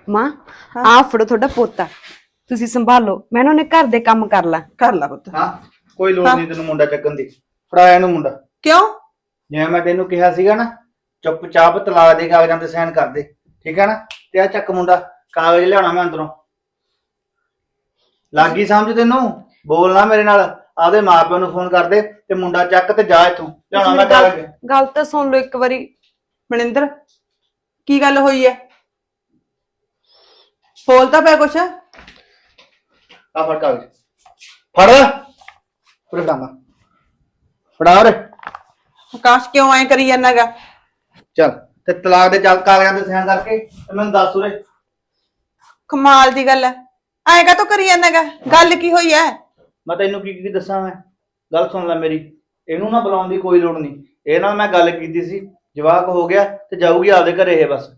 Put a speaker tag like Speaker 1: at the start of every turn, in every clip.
Speaker 1: ਮਾਂ ਆ ਫੜੋ ਤੁਹਾਡਾ ਪੋਤਾ, ਤੁਸੀਂ ਸੰਭਾਲੋ, ਮੈਂ ਉਹਨੇ ਘਰ ਦੇ ਕੰਮ ਕਰ ਲਾ
Speaker 2: ਪੁੱਤ।
Speaker 3: ਹਾਂ ਕੋਈ ਲੋੜ ਨਹੀਂ ਤੈਨੂੰ ਮੁੰਡਾ ਚੱਕਣ ਦੀ, ਫੜਾ ਇਹਨੂੰ ਮੁੰਡਾ।
Speaker 2: ਕਿਉਂ?
Speaker 3: ਜਿਵੇਂ ਮੈਂ ਤੈਨੂੰ ਕਿਹਾ ਸੀਗਾ ਨਾ, ਚੁੱਪਚਾਪ ਤਲਾਕ ਦੇ ਕਾਗਜ਼ਾਂ ਤੇ ਸਾਈਨ ਕਰ ਦੇ, ਠੀਕ ਹੈ ਨਾ? ਤੇ ਆ ਚੱਕ ਮੁੰਡਾ, ਕਾਗਜ਼ ਲਿਆਉਣਾ ਮੈਂ ਅੰਦਰੋਂ। ਲੱਗੀ ਸਮਝ ਤੈਨੂੰ? ਬੋਲਣਾ ਮੇਰੇ ਨਾਲ, ਆਪਦੇ ਮਾਪਿਆਂ ਨੂੰ ਫੋਨ ਕਰ ਦੇ ਤੇ ਮੁੰਡਾ ਚੱਕ ਤੇ ਜਾ ਇੱਥੋਂ, ਲਿਆਉਣਾ ਮੈਂ ਕਾਗਜ਼।
Speaker 1: ਗੱਲ ਤਾਂ ਸੁਣ ਲਓ ਇੱਕ ਵਾਰੀ।
Speaker 2: ਮਨਿੰਦਰ ਕੀ ਗੱਲ ਹੋਈ ਹੈ? ਬੋਲਦਾ ਪਿਆ ਕੁਛ?
Speaker 3: ਆ ਫੜ ਕਾਗਜ਼, ਫੜ ਉਰੇ ਫੜਾਵਾ, ਫੜਾ ਉਰੇ।
Speaker 2: ਆਕਾਸ਼ ਕਿਉਂ ਐ ਕਰੀ ਜਾਂਦਾਗਾ?
Speaker 3: ਚੱਲ ਤੇ ਤਲਾਕ ਦੇ ਚੱਲ ਕਾਗਜ਼ਾਂ ਤੇ ਸਾਈਨ ਕਰਕੇ ਤੇ ਮੈਨੂੰ ਦੱਸ ਉਰੇ।
Speaker 2: ਕਮਾਲ ਦੀ ਗੱਲ ਹੈ, ਐਂ ਕਾ ਤੂੰ ਕਰੀ ਜਾਂਦਾਗਾ? ਗੱਲ ਕੀ ਹੋਈ ਹੈ?
Speaker 3: ਮੈਂ ਤੈਨੂੰ ਕੀ ਦੱਸਾਂ? ਮੈਂ ਗੱਲ ਸੁਣ ਲੈ ਮੇਰੀ, ਇਹਨੂੰ ਨਾ ਬੁਲਾਉਣ ਦੀ ਕੋਈ ਲੋੜ ਨਹੀਂ। ਇਹ ਨਾਲ ਮੈਂ ਗੱਲ ਕੀਤੀ ਸੀ, ਜਵਾਕ ਹੋ ਗਿਆ ਤੇ ਜਾਊਗੀ ਆਪਦੇ ਘਰੇ ਇਹ ਬਸ।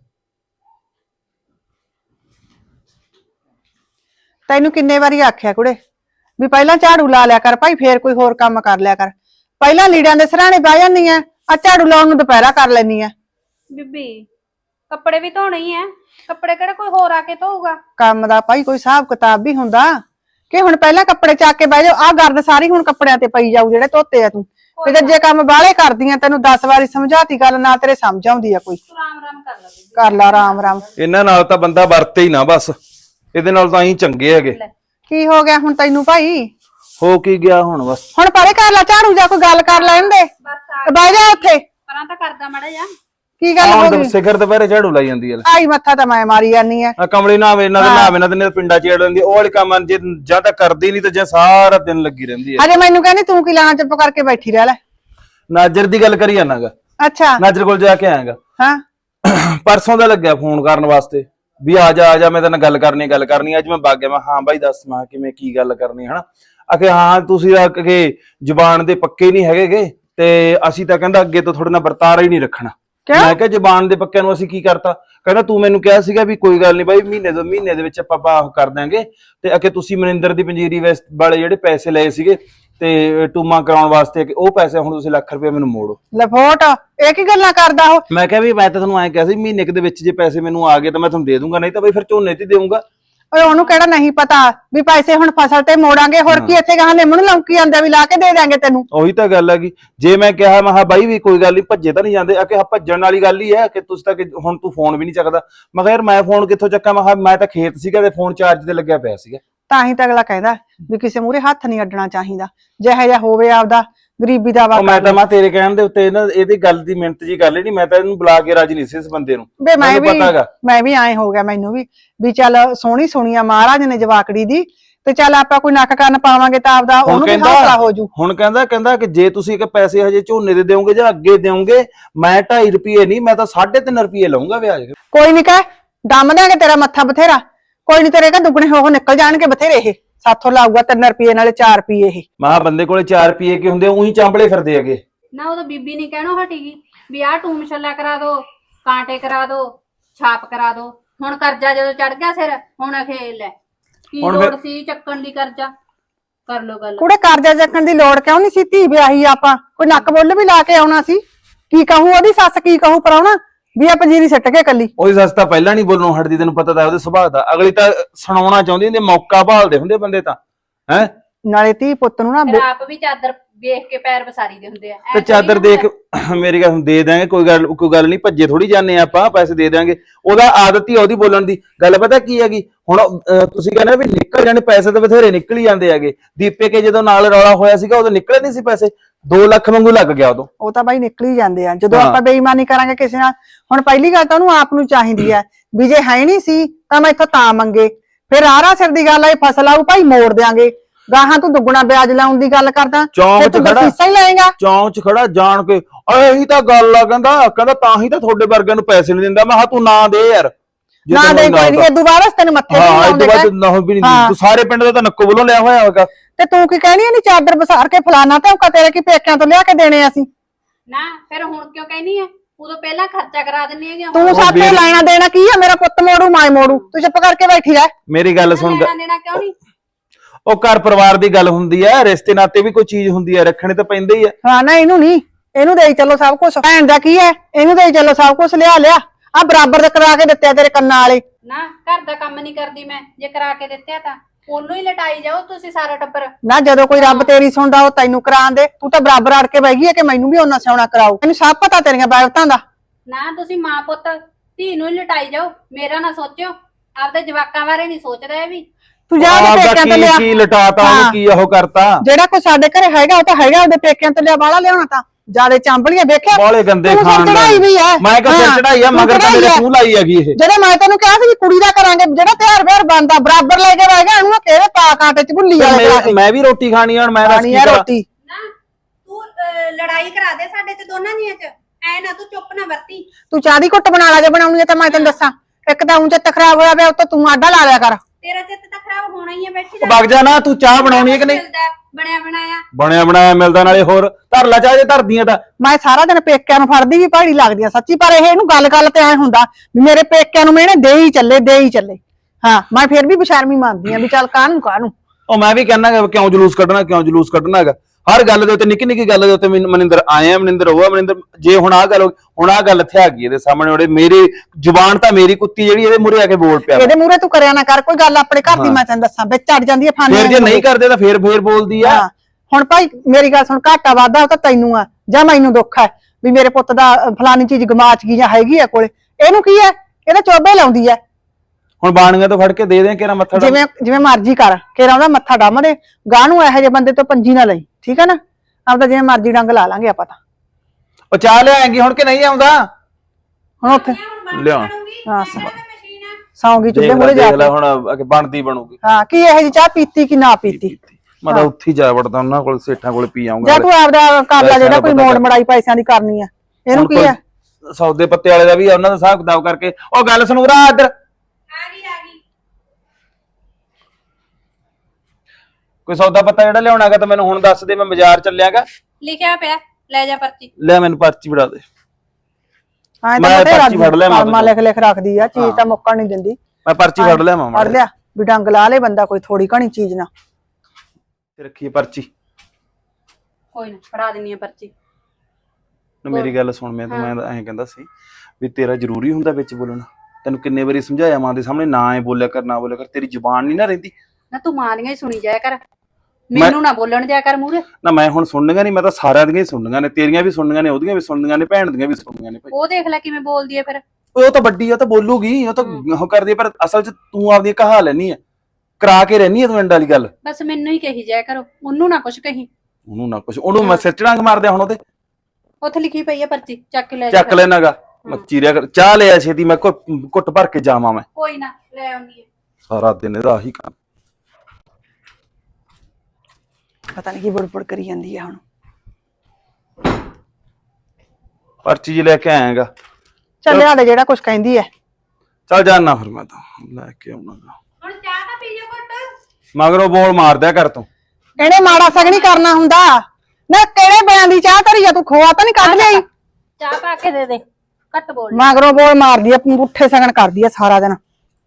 Speaker 2: ਤੈਨੂੰ ਕਿੰਨੇ ਵਾਰੀ ਆਖਿਆ ਕੁੜੇ ਵੀ ਪਹਿਲਾਂ ਝਾੜੂ ਲਾ ਲਿਆ ਕਰ ਭਾਈ, ਫੇਰ ਕੋਈ ਹੋਰ ਕੰਮ ਕਰ ਲਿਆ ਕਰ। ਪਹਿਲਾਂ ਲੀੜਿਆਂ ਦੇ ਸਰਾਣੇ ਬਹਿ ਜਾਂਦੀ ਆ ਝਾੜੂ ਲਾਉਣ ਨੂੰ ਦੁਪਹਿਰਾ ਕਰ ਲੈਣੀ ਆ।
Speaker 4: ਬੀਬੀ ਕੱਪੜੇ ਵੀ ਧੋਣੇ ਹੀ ਐ, ਕੱਪੜੇ ਕਿਹੜਾ ਕੋਈ ਹੋਰ ਆ ਕੇ ਧੋਊਗਾ?
Speaker 2: ਕੰਮ ਦਾ ਭਾਈ ਕੋਈ ਹਿਸਾਬ ਕਿਤਾਬ ਵੀ ਹੁੰਦਾ ਕਿ ਹੁਣ ਪਹਿਲਾਂ ਕੱਪੜੇ ਚੱਕ ਕੇ ਬਹਿ ਜਾਓ, ਆਹ ਗਰਦ ਸਾਰੀ ਹੁਣ ਕੱਪੜਿਆਂ ਤੇ ਪਈ ਜਾਊ ਜਿਹੜੇ ਧੋਤੇ ਆ ਤੂੰ। ਤੇ ਜੇ ਕੰਮ ਬਾਹਲੇ ਕਰਦੀਆਂ, ਤੈਨੂੰ 10 ਵਾਰੀ ਸਮਝਾਤੀ ਗੱਲ, ਨਾ ਤੇਰੇ ਸਮਝ ਆਉਂਦੀ ਆ ਕੋਈ।
Speaker 4: ਰਾਮ ਰਾਮ ਕਰ ਲੈ ਬੀਬੀ,
Speaker 2: ਕਰ ਲਾ ਰਾਮ ਰਾਮ।
Speaker 5: ਇਹਨਾਂ ਨਾਲ ਤਾਂ ਬੰਦਾ ਵਰਤੇ ਹੀ ਨਾ, ਬਸ ਇਹਦੇ ਨਾਲ ਤਾਂ ਅਸੀਂ ਚੰਗੇ ਹੈਗੇ।
Speaker 2: ਕੀ ਹੋ ਗਿਆ ਹੁਣ ਤੈਨੂੰ ਭਾਈ?
Speaker 5: ਹੋ ਕੀ ਗਿਆ ਹੁਣ? ਬਸ
Speaker 2: ਹੁਣ ਪਰੇ ਕਰ ਲਾ ਝਾੜੂ, ਜਾ ਕੋਈ ਗੱਲ ਕਰ ਲੈਣ ਦੇ ਤੇ ਬਹਿ ਜਾ ਉੱਥੇ।
Speaker 4: ਪਰਾਂ ਤਾਂ ਕਰਦਾ ਮਾੜਾ ਜਾ।
Speaker 2: ਕੀ ਗੱਲ ਹੋ
Speaker 5: ਹੁਣ
Speaker 2: ਗਈ?
Speaker 5: ਸਿਖਰ ਦੁਪਹਿਰੇ ਝਾੜੂ ਲਾਈ ਜਾਂਦੀ ਹੈ।
Speaker 2: ਆਈ ਮੱਥਾ ਤਾਂ ਮੈਂ ਮਾਰੀ ਜਾਨੀ ਆ।
Speaker 5: ਆ ਕਮਲੀ ਨਾ ਇਹਨਾਂ ਦੇ ਨਾਮ ਇਹਨਾਂ ਦੇ ਪਿੰਡਾਂ ਚ ਏੜ ਲੈਂਦੀ, ਉਹ ਵਾਲੀ ਕੰਮ ਜੇ ਜਾਂ ਤਾਂ ਕਰਦੀ ਨਹੀਂ ਤੇ ਜਾਂ ਸਾਰਾ ਦਿਨ ਲੱਗੀ ਰਹਿੰਦੀ ਹੈ।
Speaker 2: ਅਜੇ ਮੈਨੂੰ ਕਹਿੰਦੀ ਤੂੰ ਕੀ ਲਾਣਾ, ਚੁੱਪ ਕਰਕੇ ਬੈਠੀ ਰਹਿ ਲੈ।
Speaker 5: ਨਾਜਰ ਦੀ ਗੱਲ ਕਰੀ ਜਾਣਾਗਾ,
Speaker 2: ਅੱਛਾ
Speaker 5: ਨਾਜਰ ਕੋਲ ਜਾ ਕੇ ਆਇਆਗਾ।
Speaker 2: ਹਾਂ
Speaker 5: ਪਰਸੋਂ ਦਾ ਲੱਗਿਆ ਫੋਨ ਕਰਨ ਵਾਸਤੇ ਵੀ ਆ ਜਾ ਮੈਂ ਤੇਰੇ ਨਾਲ ਗੱਲ ਕਰਨੀ। ਅੱਜ ਮੈਂ ਵਗ ਗਿਆ, ਮੈਂ ਹਾਂ ਬਾਈ ਦੱਸ, ਮੈਂ ਕਿਵੇਂ ਕੀ ਗੱਲ ਕਰਨੀ ਹਨਾ। ਆਖੇ ਹਾਂ ਤੁਸੀਂ ਆਖੇ ਜ਼ੁਬਾਨ ਦੇ ਪੱਕੇ ਨਹੀਂ ਹੈਗੇਗੇ ਤੇ ਅਸੀਂ ਤਾਂ ਕਹਿੰਦਾ ਅੱਗੇ ਤੋਂ ਤੁਹਾਡੇ ਨਾਲ ਵਰਤਾਰਾ ਹੀ ਨਹੀਂ ਰੱਖਣਾ। ਮੈਂ ਕਿਹਾ ਜ਼ੁਬਾਨ ਦੇ ਪੱਕਿਆਂ ਨੂੰ ਅਸੀਂ ਕੀ ਕਰਤਾ? ਕਹਿੰਦਾ ਤੂੰ ਮੈਨੂੰ ਕਿਹਾ ਸੀਗਾ ਵੀ ਕੋਈ ਗੱਲ ਨਹੀਂ ਬਾਈ, ਮਹੀਨੇ ਦੇ ਵਿੱਚ ਆਪਾਂ ਉਹ ਕਰ ਦਾਂਗੇ। ਤੇ ਅਕੇ ਤੁਸੀਂ ਮਨਿੰਦਰ ਦੀ ਪੰਜੀਰੀ ਵਾਲੇ ਜਿਹੜੇ ਪੈਸੇ ਲਏ ਸੀਗੇ ਤੇ ਟੂਮਾ ਕਰਾਉਣ ਵਾਸਤੇ, ਉਹ ਪੈਸੇ ਹੁਣ ਤੁਸੀਂ ਲੱਖ ਰੁਪਏ ਮੈਨੂੰ ਮੋੜੋ।
Speaker 2: ਲਫੋਟ ਇਹ ਕੀ ਗੱਲਾਂ ਕਰਦਾ ਉਹ?
Speaker 5: ਮੈਂ ਕਿਹਾ ਵੀ ਮੈਂ ਤਾਂ ਤੁਹਾਨੂੰ ਐਂ ਕਿਹਾ ਸੀ ਮਹੀਨੇ ਦੇ ਵਿੱਚ ਜੇ ਪੈਸੇ ਮੈਨੂੰ ਆ ਗਏ ਤਾਂ ਮੈਂ ਤੁਹਾਨੂੰ ਦੇ ਦੂੰਗਾ, ਨਹੀਂ ਤਾਂ ਬਈ ਫਿਰ ਝੋਨੇ ਤੇ ਦੇਊਂਗਾ।
Speaker 2: ਓਏ ਉਹਨੂੰ ਕਿਹੜਾ ਨਹੀਂ ਪਤਾ ਵੀ ਪੈਸੇ ਹੁਣ ਫਸਲ ਤੇ ਮੋੜਾਂਗੇ, ਹੋਰ ਕੀ ਇੱਥੇ ਕਹਾਂ ਨਿੰਮ ਨੂੰ ਲੌਂਕੀ ਆਂਦਾ ਵੀ ਲਾ ਕੇ ਦੇ ਦਾਂਗੇ ਤੈਨੂੰ।
Speaker 5: ਉਹੀ ਤਾਂ ਗੱਲ ਹੈਗੀ। ਜੇ ਮੈਂ ਕਿਹਾ ਮੈਂ ਕਿਹਾ ਬਾਈ ਵੀ ਕੋਈ ਗੱਲ ਨਹੀਂ, ਭੱਜੇ ਤਾਂ ਨਹੀਂ ਜਾਂਦੇ। ਆ ਕਿ ਭੱਜਣ ਵਾਲੀ ਗੱਲ ਹੀ ਹੈ ਕਿ ਤੁਸੀਂ ਤਾਂ ਹੁਣ ਤੂੰ ਫੋਨ ਵੀ ਨਹੀਂ ਚੱਕਦਾ। ਮੈਂ ਕਿਹਾ ਯਾਰ ਮੈਂ ਫੋਨ ਕਿੱਥੋਂ ਚੱਕਾਂ? ਮੈਂ ਤਾਂ ਖੇਤ ਸੀਗਾ ਤੇ ਫੋਨ ਚਾਰਜ ਤੇ ਲੱਗਿਆ ਪਿਆ ਸੀਗਾ।
Speaker 2: ਤਾਂ ਹੀ ਤਾਂ ਅਗਲਾ ਕਹਿੰਦਾ ਵੀ ਕਿਸੇ ਮੂਹਰੇ ਹੱਥ ਨਹੀਂ ਅੱਡਣਾ ਚਾਹੀਦਾ, ਜਿਹੋ ਜਿਹਾ ਹੋਵੇ ਆਪਦਾ ਗਰੀਬੀ ਦਾ ਵਾ।
Speaker 5: ਮੈਂ ਤਾਂ ਤੇਰੇ ਕਹਿਣ ਦੇ ਉੱਤੇ ਇਹਦੀ ਗੱਲ ਦੀ ਮਿਹਨਤ ਜੀ ਕਰ ਲੈਣੀ। ਮੈਂ ਤਾਂ ਇਹਨੂੰ ਬੁਲਾ ਕੇ ਰਾਜੀ ਨਹੀਂ ਸੀ ਇਸ ਬੰਦੇ ਨੂੰ।
Speaker 2: ਮੈਂ ਵੀ ਐਂ ਹੋ ਗਿਆ ਮੈਨੂੰ ਵੀ ਚੱਲ ਸੋਹਣੀ ਸੁਣੀਆ ਮਹਾਰਾਜ ਨੇ ਜਵਾਕੜੀ ਦੀ, ਤੇ ਚੱਲ ਆਪਾਂ ਕੋਈ ਨੱਕ ਕੰਨ ਪਾਵਾਂਗੇ ਤਾਂ ਆਪਦਾ ਉਹਨੂੰ ਵੀ ਹੌਸਲਾ ਹੋ ਜੂ।
Speaker 5: ਹੁਣ ਕਹਿੰਦਾ ਕਿ ਜੇ ਤੁਸੀਂ ਪੈਸੇ ਹਜੇ ਝੋਨੇ ਦੇ ਦਿਓਗੇ ਜਾਂ ਅੱਗੇ ਦਿਓਗੇ, ਮੈਂ 2.5 ਰੁਪਏ ਨਹੀਂ, ਮੈਂ ਤਾਂ 3.5 ਰੁਪਏ ਲਊਂਗਾ ਵਿਆਜ।
Speaker 2: ਕੋਈ ਨੀ ਕਹਿ, ਦਮ ਦੇਾਂਗੇ ਤੇਰਾ ਮੱਥਾ ਬਥੇਰਾ। ਕੋਈ ਨੀ ਤੇਰੇ ਦੁੱਗਣੇ ਹੋ ਨਿਕਲ ਜਾਣਗੇ ਬਥੇਰੇ। ਇਹ ਸਾਥੋਂ ਲਾਊਗਾ 3 ਰੁਪਏ ਨਾਲੇ 4 ਰੁਪਏ। ਇਹ
Speaker 5: ਮਹਾ ਬੰਦੇ ਕੋਲੇ 4 ਰੁਪਏ ਕੀ ਹੁੰਦੇ, ਉਹੀ ਚਾਂਬਲੇ ਫਿਰਦੇ ਹੈਗੇ
Speaker 4: ਨਾ। ਉਹ ਤਾਂ ਬੀਬੀ ਨਹੀਂ ਕਹਿਣੋ ਹਟੀਗੀ ਵੀ ਆਹ ਟੂਮ ਛੱਲਾ ਕਰਾ ਦੋ, ਕਾਂਟੇ ਕਰਾ ਦੋ, ਛਾਪ ਕਰਾ ਦੋ। ਹੁਣ ਕਰਜ਼ਾ ਜਦੋਂ ਚੜ ਗਿਆ ਸਿਰ, ਹੁਣ ਖੇਲ ਲੈ ਕੀ ਲੋੜ ਸੀ ਚੱਕਣ ਦੀ ਕਰਜ਼ਾ? ਕਰ ਲੋ ਗੱਲ।
Speaker 2: ਕੁੜੇ ਕਰਜ਼ਾ ਚੱਕਣ ਦੀ ਲੋੜ ਕਿਉਂ ਨਹੀਂ ਸੀ? ਧੀ ਵਿਆਹੀ ਆਪਾਂ, ਕੋਈ ਨੱਕ ਬੁੱਲ ਵੀ ਲਾ ਕੇ ਆਉਣਾ ਸੀ। ਕੀ ਕਹੂ ਉਹਦੀ ਸੱਸ, ਕੀ ਕਹੂ ਪਰਾਉਣਾ ਵੀ ਆ ਪੰਜੀਰੀ ਸੱਟ ਕੇ ਕੱਲੀ?
Speaker 5: ਉਹਦੀ ਸੱਸ ਤਾਂ ਪਹਿਲਾਂ ਨਹੀਂ ਬੋਲਣੋਂ ਹਟਦੀ, ਤੈਨੂੰ ਪਤਾ ਤਾਂ ਉਹਦੇ ਸੁਭਾਅ ਦਾ। ਅਗਲੀ ਤਾਂ ਸੁਣਾਉਣਾ ਚਾਹੁੰਦੀ ਹੁੰਦੀ, ਮੌਕਾ ਭਾਲਦੇ ਹੁੰਦੇ ਬੰਦੇ ਤਾਂ ਹੈ।
Speaker 2: ਨਾਲੇ ਧੀ ਪੁੱਤ ਨੂੰ ਨਾ
Speaker 4: ਆਪ ਵੀ ਚਾਦਰ ਵੇਖ ਕੇ ਪੈਰ ਵਸਾਰੀ ਦੇ ਹੁੰਦੇ ਆ।
Speaker 5: ਤੇ ਚਾਦਰ ਦੇਖ, ਮੇਰੀ ਗੱਲ ਦੇ ਦਾਂਗੇ, ਕੋਈ ਗੱਲ ਨਹੀਂ, ਭੱਜੇ ਥੋੜੀ ਜਾਂਦੇ ਆਪਾਂ, ਪੈਸੇ ਦੇ ਦਾਂਗੇ। ਉਹਦਾ ਆਦਤ ਹੀ ਉਹਦੀ ਬੋਲਣ ਦੀ। ਗੱਲ ਪਤਾ ਕੀ ਹੈਗੀ ਹੁਣ? ਤੁਸੀਂ ਕਹਿੰਦੇ ਵੀ ਨਿਕਲ ਜਾਣੇ ਪੈਸੇ, ਤਾਂ ਬਥੇਰੇ ਨਿਕਲ ਹੀ ਜਾਂਦੇ ਹੈਗੇ। ਦੀਪੇ ਕੇ ਜਦੋਂ ਨਾਲ ਰੌਲਾ ਹੋਇਆ ਸੀਗਾ ਉਦੋਂ ਨਿਕਲੇ ਨਹੀਂ ਸੀ ਪੈਸੇ, 2 ਲੱਖ ਵਾਂਗੂ ਲੱਗ ਗਿਆ ਉਦੋਂ।
Speaker 2: ਉਹ ਤਾਂ ਬਾਈ ਨਿਕਲ ਹੀ ਜਾਂਦੇ ਆ ਜਦੋਂ ਆਪਾਂ ਬੇਈਮਾਨੀ ਕਰਾਂਗੇ ਕਿਸੇ ਨਾਲ। ਹੁਣ ਪਹਿਲੀ ਗੱਲ ਤਾਂ ਉਹਨੂੰ ਆਪ ਨੂੰ ਚਾਹੀਦੀ ਹੈ ਵੀ ਜੇ ਹੈ ਨਹੀਂ ਸੀ ਤਾਂ ਮੈਂ ਇੱਥੋਂ ਤਾਂ ਮੰਗੇ। ਫਿਰ ਆਰਾ ਸਿਰ ਦੀ ਗੱਲ ਆਈ, ਫਸਲ ਆਊ ਭਾਈ ਮੋੜ ਦਿਆਂਗੇ। ਗਾਹਾਂ ਤੂੰ ਦੁੱਗਣਾ ਵਿਆਜ ਲਾਉਣ ਦੀ ਗੱਲ ਕਰਦਾ,
Speaker 5: ਚੌਂਕ ਚ ਖੜਾ
Speaker 2: ਹੀ ਲਏਗਾ।
Speaker 5: ਚੌਂਕ ਚ ਖੜਾ ਜਾਣ ਕੇ ਇਹੀ ਤਾਂ ਗੱਲ ਆ। ਕਹਿੰਦਾ ਤਾਂ ਹੀ ਤਾਂ ਤੁਹਾਡੇ ਵਰਗਿਆਂ ਨੂੰ ਪੈਸੇ ਨਹੀਂ ਦਿੰਦਾ। ਮੈਂ ਕਿਹਾ ਤੂੰ ਨਾ ਦੇ ਯਾਰ,
Speaker 2: ਨਾ ਦੇ ਕੋਈ ਨਹੀਂ। ਦੁਬਾਰਾ ਤੈਨੂੰ ਮੱਥੇ
Speaker 5: ਵੀ ਨਹੀਂ, ਤੂੰ ਸਾਰੇ ਪਿੰਡ ਦਾ ਤਾਂ ਨੱਕੋ ਵੱਲੋਂ ਲਿਆ ਹੋਇਆ ਹੋਗਾ।
Speaker 2: ਤੇ ਤੂੰ ਕੀ ਕਹਿਣੀ ਨਹੀਂ ਚਾਦਰ ਬਸਾਰ ਕੇ ਫਲਾਣਾ ਧੌਂਕਾ ਤੇਰੇ ਕੀ ਪੇਕਿਆਂ ਤੋਂ ਲਿਆ ਕੇ ਦੇਣੇ ਅਸੀਂ?
Speaker 4: ਨਾ ਫਿਰ ਹੁਣ ਕਿਉਂ ਕਹਿਨੀ ਆ? ਉਦੋਂ ਪਹਿਲਾਂ ਖਰਚਾ ਕਰਾ ਦਿੰਨੀ ਹੈਗੀ।
Speaker 2: ਤੂੰ ਸਾਥੇ ਲੈਣਾ ਦੇਣਾ ਕੀ ਆ? ਮੇਰਾ ਪੁੱਤ ਮੋੜੂ ਮੈਂ ਮੋੜੂ, ਤੂੰ ਚੁੱਪ ਕਰਕੇ ਬੈਠੀ ਰਹਿ।
Speaker 5: ਮੇਰੀ ਗੱਲ ਸੁਣ,
Speaker 4: ਦੇਣਾ ਕਿਉਂ ਨਹੀਂ?
Speaker 5: ਉਹ ਘਰ ਪਰਿਵਾਰ ਦੀ ਗੱਲ ਹੁੰਦੀ ਹੈ, ਰਿਸ਼ਤੇ ਨਾਤੇ ਵੀ ਕੋਈ ਚੀਜ਼ ਹੁੰਦੀ ਹੈ, ਰੱਖਣੇ ਤਾਂ ਪੈਂਦੇ ਹੀ ਆ।
Speaker 2: ਹਾਂ ਨਾ, ਇਹਨੂੰ ਨਹੀਂ, ਇਹਨੂੰ ਦੇਈ ਚੱਲੋ ਸਭ ਕੁਝ। ਭੈਣ ਦਾ ਕੀ ਹੈ, ਇਹਨੂੰ ਦੇਈ ਚੱਲੋ ਸਭ ਕੁਝ। ਲਿਆ ਆ ਬਰਾਬਰ ਦੇ ਕਰਾ ਕੇ ਦਿੱਤੇ ਆ ਤੇਰੇ ਕੰਨਾਂ ਵਾਲੇ।
Speaker 4: ਨਾ ਘਰ ਦਾ ਕੰਮ ਨਹੀਂ ਕਰਦੀ ਮੈਂ, ਜੇ ਕਰਾ ਕੇ ਦਿੱਤਿਆ ਤਾਂ ਉਹਨੂੰ ਹੀ ਲਟਾਈ ਜਾਓ ਤੁਸੀਂ ਸਾਰਾ ਟੱਬਰ।
Speaker 2: ਨਾ ਜਦੋਂ ਕੋਈ ਰੱਬ ਤੇਰੀ ਸੁਣਦਾ ਉਹ ਤੈਨੂੰ ਕਰਾਉਂਦੇ, ਤੂੰ ਤਾਂ ਬਰਾਬਰ ਅੜ ਕੇ ਬਹਿ ਗਈ ਹੈ ਕਿ ਮੈਨੂੰ ਵੀ ਉਹਨਾਂ ਸਿਆਉਣਾ ਕਰਾਓ। ਮੈਨੂੰ ਸਭ ਪਤਾ ਤੇਰੀਆਂ ਬਾਬਤਾਂ ਦਾ।
Speaker 4: ਨਾ ਤੁਸੀਂ ਮਾਂ ਪੁੱਤ ਧੀ ਨੂੰ ਹੀ ਲਟਾਈ ਜਾਓ, ਮੇਰਾ ਨਾ ਸੋਚਿਓ। ਆਪਦੇ ਜਵਾਕਾਂ ਬਾਰੇ ਨਹੀਂ ਸੋਚਦਾ ਇਹ ਵੀ।
Speaker 2: ਤੂੰ ਜਾ ਉਹਦੇ
Speaker 5: ਆਪਦਾ
Speaker 2: ਪੇਕਿਆਂ ਤੋਂ ਲਿਆ।
Speaker 5: ਕੀ ਲਟਾਤਾ ਉਹਨੂੰ, ਕੀ ਉਹ ਕਰਤਾ।
Speaker 2: ਜਿਹੜਾ ਕੋਈ ਸਾਡੇ ਘਰੇ ਹੈਗਾ ਉਹ ਤਾਂ ਹੈਗਾ, ਉਹਦੇ ਪੇਕਿਆਂ ਤੋਂ ਲਿਆ ਬਾਹਲਾ ਲਿਆਉਣਾ ਤਾਂ ਜਿਆਦੇ ਚਾਂਬਲੀਆਂ ਵੇਖਿਆ
Speaker 5: ਬਾਲੇ ਗੰਦੇ
Speaker 2: ਤੂੰ ਸਿਰ
Speaker 5: ਖਾਨ
Speaker 2: ਚੜਾਈ ਵੀ ਹੈ।
Speaker 5: ਮੈਂ ਕਿਹਾ ਸਿਰ
Speaker 2: ਹਾਂ,
Speaker 5: ਚੜਾਈ ਆ,
Speaker 2: ਤੂੰ
Speaker 5: ਮਗਰ ਤਾਂ
Speaker 2: ਚੜਾਈ
Speaker 5: ਮੇਰੇ
Speaker 2: ਹੈ।
Speaker 5: ਤੂੰ ਲਾਈ ਹੈਗੀ ਇਹ।
Speaker 2: ਜਿਹੜੇ ਮੈਂ ਤੈਨੂੰ ਕਿਹਾ ਸੀ ਵੀ ਕੁੜੀ ਦਾ ਕਰਾਂਗੇ, ਜਿਹੜਾ ਤਿਆਰ ਬਿਆਰ ਬਣਦਾ ਬਰਾਬਰ ਲੈ ਕੇ ਬਹਿ ਗਿਆ, ਇਹਨੂੰ ਕਿਹੜੇ ਪਾ ਕਾਂਟੇ ਚ ਭੁੱਲੀ ਵਾਲੇ ਕਰਾ ਕੇ
Speaker 5: ਮੈਂ ਵੀ ਰੋਟੀ ਖਾਣੀ ਹੁਣ, ਮੈਂ ਦੱਸ
Speaker 2: ਖਾਣੀ
Speaker 5: ਕੀ
Speaker 2: ਆ
Speaker 5: ਕਰਾਂ।
Speaker 2: ਰੋਟੀ।
Speaker 4: ਨਾ ਤੂੰ ਲੜਾਈ ਕਰਾ ਦੇ ਸਾਡੇ ਚ ਦੋਨਾਂ ਜੀਆਂ ਚ, ਐ ਨਾ ਤੂੰ ਚੁੱਪ ਨਾ ਵਰਤੀ।
Speaker 2: ਤੂੰ ਚਾਹ ਦੀ ਘੁੱਟ ਬਣਾ ਲਾ ਜੇ ਬਣਾਉਣੀ ਹੈ ਤਾਂ ਮੈਂ ਤੈਨੂੰ ਦੱਸਾਂ। ਇੱਕ ਤਾਂ ਉਂਝ ਚੱਤ ਖਰਾਬ ਹੋਇਆ ਪਿਆ, ਉੱਤੋਂ ਤੂੰ ਆਡਾ ਲਾ ਲਿਆ ਕਰ।
Speaker 4: ਤੇਰਾ ਚਿੱਤ ਤਾਂ ਖਰਾਬ ਹੋਣਾ ਹੀ ਹੈ, ਬੈਠੀ
Speaker 5: ਉਹ ਵਗ ਜਾ ਨਾ, ਤੂੰ ਚਾਹ ਬਣਾਉਣੀ ਹੈ ਕਿ ਨਹੀਂ?
Speaker 4: ਮਿਲਦਾ ਬਣਿਆ ਬਣਾਇਆ।
Speaker 5: ਬਣਿਆ ਬਣਾਇਆ ਮਿਲਦਾ, ਨਾਲੇ ਹੋਰ ਧਰ ਲਾ ਚਾਹ ਜੇ ਧਰਦੀਆਂ ਤਾਂ।
Speaker 2: ਮੈਂ ਸਾਰਾ ਦਿਨ ਪੇਕਿਆਂ ਨੂੰ ਫੜਦੀ ਵੀ ਪਹਾੜੀ ਲੱਗਦੀ ਆ ਸੱਚੀ, ਪਰ ਇਹ ਇਹਨੂੰ ਗੱਲ ਤੇ ਐ ਹੁੰਦਾ ਵੀ ਮੇਰੇ ਪੇਕਿਆਂ ਨੂੰ ਮੈਨੇ ਦੇ ਹੀ ਚੱਲੇ। ਹਾਂ ਮੈਂ ਫਿਰ ਵੀ ਬਸ਼ਰਮੀ ਮੰਨਦੀ ਆ ਵੀ ਚੱਲ ਕਾਹਨੂੰ।
Speaker 5: ਉਹ ਮੈਂ ਵੀ ਕਹਿਣਾ ਕਿਉਂ ਜਲੂਸ ਕੱਢਣਾ ਹੈਗਾ ਹਰ ਗੱਲ ਦੇ ਉੱਤੇ, ਨਿੱਕੀ ਨਿੱਕੀ ਗੱਲ ਦੇ ਉੱਤੇ। ਮਨਿੰਦਰ ਆਇਆ, ਮਨਿੰਦਰ ਹੋਆ, ਮਨਿੰਦਰ ਜੇ ਹੁਣ ਆਹ ਗੱਲ ਇੱਥੇ ਆ ਗਈ ਇਹਦੇ ਸਾਹਮਣੇ, ਉਹਦੇ ਮੇਰੀ ਜ਼ੁਬਾਨ ਤਾਂ ਮੇਰੀ ਕੁੱਤੀ ਜਿਹੜੀ ਇਹਦੇ ਮੂਹਰੇ ਆ ਕੇ ਬੋਲ ਪਿਆ।
Speaker 2: ਇਹਦੇ ਮੂਹਰੇ ਤੂੰ ਕਰਿਆ ਨਾ ਕਰ ਕੋਈ ਗੱਲ ਆਪਣੇ ਘਰ ਦੀ, ਮੈਂ ਤੈਨੂੰ ਦੱਸਾਂ ਵਿੱਚ ਚੜ ਜਾਂਦੀ ਆ ਫਾਨੀ।
Speaker 5: ਫਿਰ ਜੇ ਨਹੀਂ ਕਰਦੇ ਤਾਂ ਫੇਰ ਬੋਲਦੀ ਆ।
Speaker 2: ਹੁਣ ਭਾਈ ਮੇਰੀ ਗੱਲ ਸੁਣ, ਘਾਟਾ ਵਾਧਾ ਉਹ ਤਾਂ ਤੈਨੂੰ ਆ ਜਾਂ ਮੈਨੂੰ ਦੁੱਖ ਹੈ ਵੀ ਮੇਰੇ ਪੁੱਤ ਦਾ ਫਲਾਨੀ ਚੀਜ਼ ਗਮਾਚ ਗਈ ਜਾਂ ਹੈਗੀ ਆ ਕੋਲੇ। ਇਹਨੂੰ ਕੀ ਹੈ, ਇਹਦਾ ਚੋਬੇ ਲਾਉਂਦੀ ਹੈ।
Speaker 5: ਹੁਣ ਬਾਣੀਆਂ ਤੋਂ ਫੜ ਕੇ ਦੇ ਦੇ, ਕਿਹੜਾ ਮੱਥਾ
Speaker 2: ਜਿਵੇਂ ਮਰਜ਼ੀ ਕਰ, ਕਿਹੜਾ ਉਹਦਾ ਮੱਥਾ ਡੰਮ ਦੇ। ਗਾਹ ਨੂੰ ਇਹੋ ਜਿਹੇ ਬੰਦੇ ਤੋਂ ਪੰਜੀ ਨਾ ਲਈ, ਠੀਕ ਹੈ ਨਾ? ਆਪਦਾ ਜਿਵੇਂ ਮਰਜ਼ੀ ਡੰਗ ਲਾ ਲਾਂਗੇ ਆਪਾਂ ਤਾਂ।
Speaker 5: ਉਹ ਚਾਹ ਲਿਆਏਂਗੀ ਹੁਣ ਕਿ ਨਹੀਂ ਆਉਂਦਾ?
Speaker 2: ਹੁਣ ਉੱਥੇ
Speaker 5: ਲਿਆ
Speaker 2: ਹਾਂ ਸੌਂਗੀ ਚੁੱਲ੍ਹੇ ਮੂਹਰੇ ਜਾ
Speaker 5: ਦੇਖ
Speaker 2: ਕੇ।
Speaker 5: ਲੈ ਹੁਣ ਅੱਗੇ ਬਣਦੀ ਬਣੂਗੀ।
Speaker 2: ਹਾਂ ਕੀ ਇਹੋ ਜਿਹੀ ਚਾਹ ਪੀਤੀ ਕਿ ਨਾ ਪੀਤੀ।
Speaker 5: ਮੈਂ ਤਾਂ ਉੱਥੇ ਹੀ ਜਾ ਵੜਦਾ ਉਹਨਾਂ ਕੋਲ, ਸੇਠਾਂ ਕੋਲ ਪੀ ਆਉਂਗਾ।
Speaker 2: ਜਾਂ ਤੂੰ ਆਪਦਾ ਕਰ ਲੈ ਜਿਹੜਾ ਕੋਈ ਮੋੜ ਮੜਾਈ ਪੈਸਿਆਂ ਦੀ ਕਰਨੀ ਆ। ਇਹਨੂੰ ਕੀ ਹੈ,
Speaker 5: ਸੌਦੇ ਪੱਤੇ ਵਾਲੇ ਦਾ ਵੀ ਉਹਨਾਂ ਦਾ ਹਿਸਾਬ ਕਿਤਾਬ ਕਰਕੇ। ਉਹ ਗੱਲ ਸੁਣੂਰਾ ਇੱਧਰ
Speaker 4: ਆ ਗਈ
Speaker 5: ਕੋਈ ਸੌਦਾ ਪੱਤਾ ਜਿਹੜਾ ਲਿਆਉਣਾਗਾ ਤਾਂ ਮੈਨੂੰ ਹੁਣ ਦੱਸ ਦੇ, ਮੈਂ ਬਾਜ਼ਾਰ ਚੱਲਿਆਗਾ।
Speaker 4: ਲਿਖਿਆ ਪਿਆ, ਲੈ ਜਾ ਪਰਚੀ।
Speaker 5: ਲੈ ਮੈਨੂੰ ਪਰਚੀ ਫੜਾ ਦੇ।
Speaker 2: ਹਾਂ
Speaker 5: ਮੈਂ ਪਰਚੀ ਫੜ ਲਿਆ,
Speaker 2: ਮਾਂ ਲਿਖ ਰੱਖਦੀ ਆ ਚੀਜ਼ ਤਾਂ ਮੁੱਕਣ ਨਹੀਂ ਦਿੰਦੀ।
Speaker 5: ਮੈਂ ਪਰਚੀ ਫੜ ਲਿਆ ਮਾਮਾ,
Speaker 2: ਫੜ ਲਿਆ ਵੀ ਡੰਗ ਲਾ ਲੇ ਬੰਦਾ ਕੋਈ ਥੋੜੀ ਘਣੀ ਚੀਜ਼ ਨਾ।
Speaker 5: ਤੇ ਰੱਖੀਏ ਪਰਚੀ।
Speaker 4: ਕੋਈ ਨਾ ਫੜਾ ਦਿੰਨੀ ਆ ਪਰਚੀ।
Speaker 5: ਮੇਰੀ ਗੱਲ ਸੁਣ, ਮੈਂ ਐਂ ਕਹਿੰਦਾ ਸੀ ਵੀ ਤੇਰਾ ਜ਼ਰੂਰੀ ਹੁੰਦਾ ਵਿੱਚ ਬੋਲਣਾ। ਤੈਨੂੰ ਕਿੰਨੇ ਵਾਰੀ ਸਮਝਾਇਆ ਮਾਂ ਦੇ ਸਾਹਮਣੇ, ਨਾ ਐ ਬੋਲਿਆ ਕਰ, ਨਾ ਬੋਲਿਆ ਕਰ। ਤੇਰੀ ਜ਼ੁਬਾਨ ਨਹੀਂ ਨਾ ਰਹਿੰਦੀ।
Speaker 4: ਨਾ ਤੂੰ ਮਾਂ ਦੀਆਂ ਹੀ ਸੁਣੀ ਜਾਇਆ ਕਰ, ਮੈਨੂੰ ਨਾ ਬੋਲਣ ਜਾਇਆ ਕਰ ਮੂਹਰੇ।
Speaker 5: ਨਾ ਮੈਂ ਹੁਣ ਸੁਣਨੀਆਂ ਨਹੀਂ, ਮੈਂ ਤਾਂ ਸਾਰਿਆਂ ਦੀਆਂ ਹੀ ਸੁਣਨੀਆਂ ਨੇ। ਤੇਰੀਆਂ ਵੀ ਸੁਣਨੀਆਂ ਨੇ, ਉਹਦੀਆਂ ਵੀ ਸੁਣਨੀਆਂ ਨੇ, ਭੈਣ ਦੀਆਂ ਵੀ ਸੁਣਨੀਆਂ ਨੇ। ਭਾਈ
Speaker 4: ਉਹ ਦੇਖ ਲੈ ਕਿਵੇਂ ਬੋਲਦੀ ਹੈ ਫਿਰ।
Speaker 5: ਉਹ ਤਾਂ ਵੱਡੀ ਆ, ਤਾਂ ਬੋਲੂਗੀ, ਉਹ ਤਾਂ ਉਹ ਕਰਦੀ ਆ, ਪਰ ਅਸਲ 'ਚ ਤੂੰ ਆਪਦੀ ਕਹਾ ਲੈਣੀ ਆ, ਕਰਾ ਕੇ ਰਹਿਣੀ ਆ ਤੂੰ ਐਂਡ ਵਾਲੀ ਗੱਲ।
Speaker 4: ਬਸ ਮੈਨੂੰ ਹੀ ਕਹੀ ਜਾਇਆ ਕਰੋ, ਉਹਨੂੰ ਨਾ ਕੁਛ ਕਹੀ।
Speaker 5: ਉਹਨੂੰ ਨਾ ਕੁਛ, ਉਹਨੂੰ ਮੈਂ ਸਿਰ ਚੜਾਂਗ ਮਾਰਦਿਆ ਹੁਣ ਉਹਦੇ।
Speaker 4: ਉੱਥੇ ਲਿਖੀ ਪਈ ਆ ਪਰਚੀ, ਚੱਕ ਲੈ ਜਾ।
Speaker 5: ਚੱਕ ਲੈਣਾਗਾ, ਮੱਚੀ ਰਿਆ ਕਰ। ਚਾਹ ਲਿਆ ਛੇਤੀ, ਮੈਂ ਘੁੱਟ ਭਰ ਕੇ ਜਾਵਾਂ। ਮੈਂ
Speaker 4: ਕੋਈ ਨਾ ਲੈ ਆਉਣੀ ਹੈ।
Speaker 5: ਸਾਰਾ ਦਿਨ ਇਹਦਾ ਆਹੀ ਕੰਮ।
Speaker 2: ਪਤਾ ਨਹੀਂ ਕੀ ਬੜਬੜ ਕਰੀ ਜਾਂਦੀ ਆ ਹੁਣ।
Speaker 5: ਪਰਚੀ ਜੀ ਲੈ ਕੇ ਆਏਗਾ।
Speaker 2: ਚੱਲ ਲਿਆ ਦੇ ਜਿਹੜਾ ਕੁਝ ਕਹਿੰਦੀ ਐ।
Speaker 5: ਚੱਲ ਜਾਣਾ ਫਿਰ, ਮੈਂ ਤਾਂ ਲੈ ਕੇ ਆਉਣਾਗਾ।
Speaker 4: ਹੁਣ ਚਾਹ ਤਾਂ ਪੀ ਜਾ ਘੁੱਟ।
Speaker 5: ਮਗਰੋਂ ਬੋਲ ਮਾਰਦਿਆ ਕਰ ਤੂੰ।
Speaker 2: ਇਹਨੇ ਮਾੜਾ ਸਗਣੀ ਕਰਨਾ ਹੁੰਦਾ ਨਾ। ਕਿਹੜੇ ਬਿਆਂ ਦੀ ਚਾਹ ਧਰੀ ਆ ਤੂੰ? ਖੋਆ ਤਾਂ ਨਹੀਂ ਕੱਢ ਲਈ?
Speaker 4: ਚਾਹ ਪਾ ਕੇ ਦੇ ਦੇ, ਘੱਟ ਬੋਲ।
Speaker 2: ਮਗਰੋਂ ਬੋਲ ਮਾਰਦੀ ਆ, ਪੁੱਠੇ ਸਗਣ ਕਰਦੀ ਆ ਸਾਰਾ ਦਿਨ।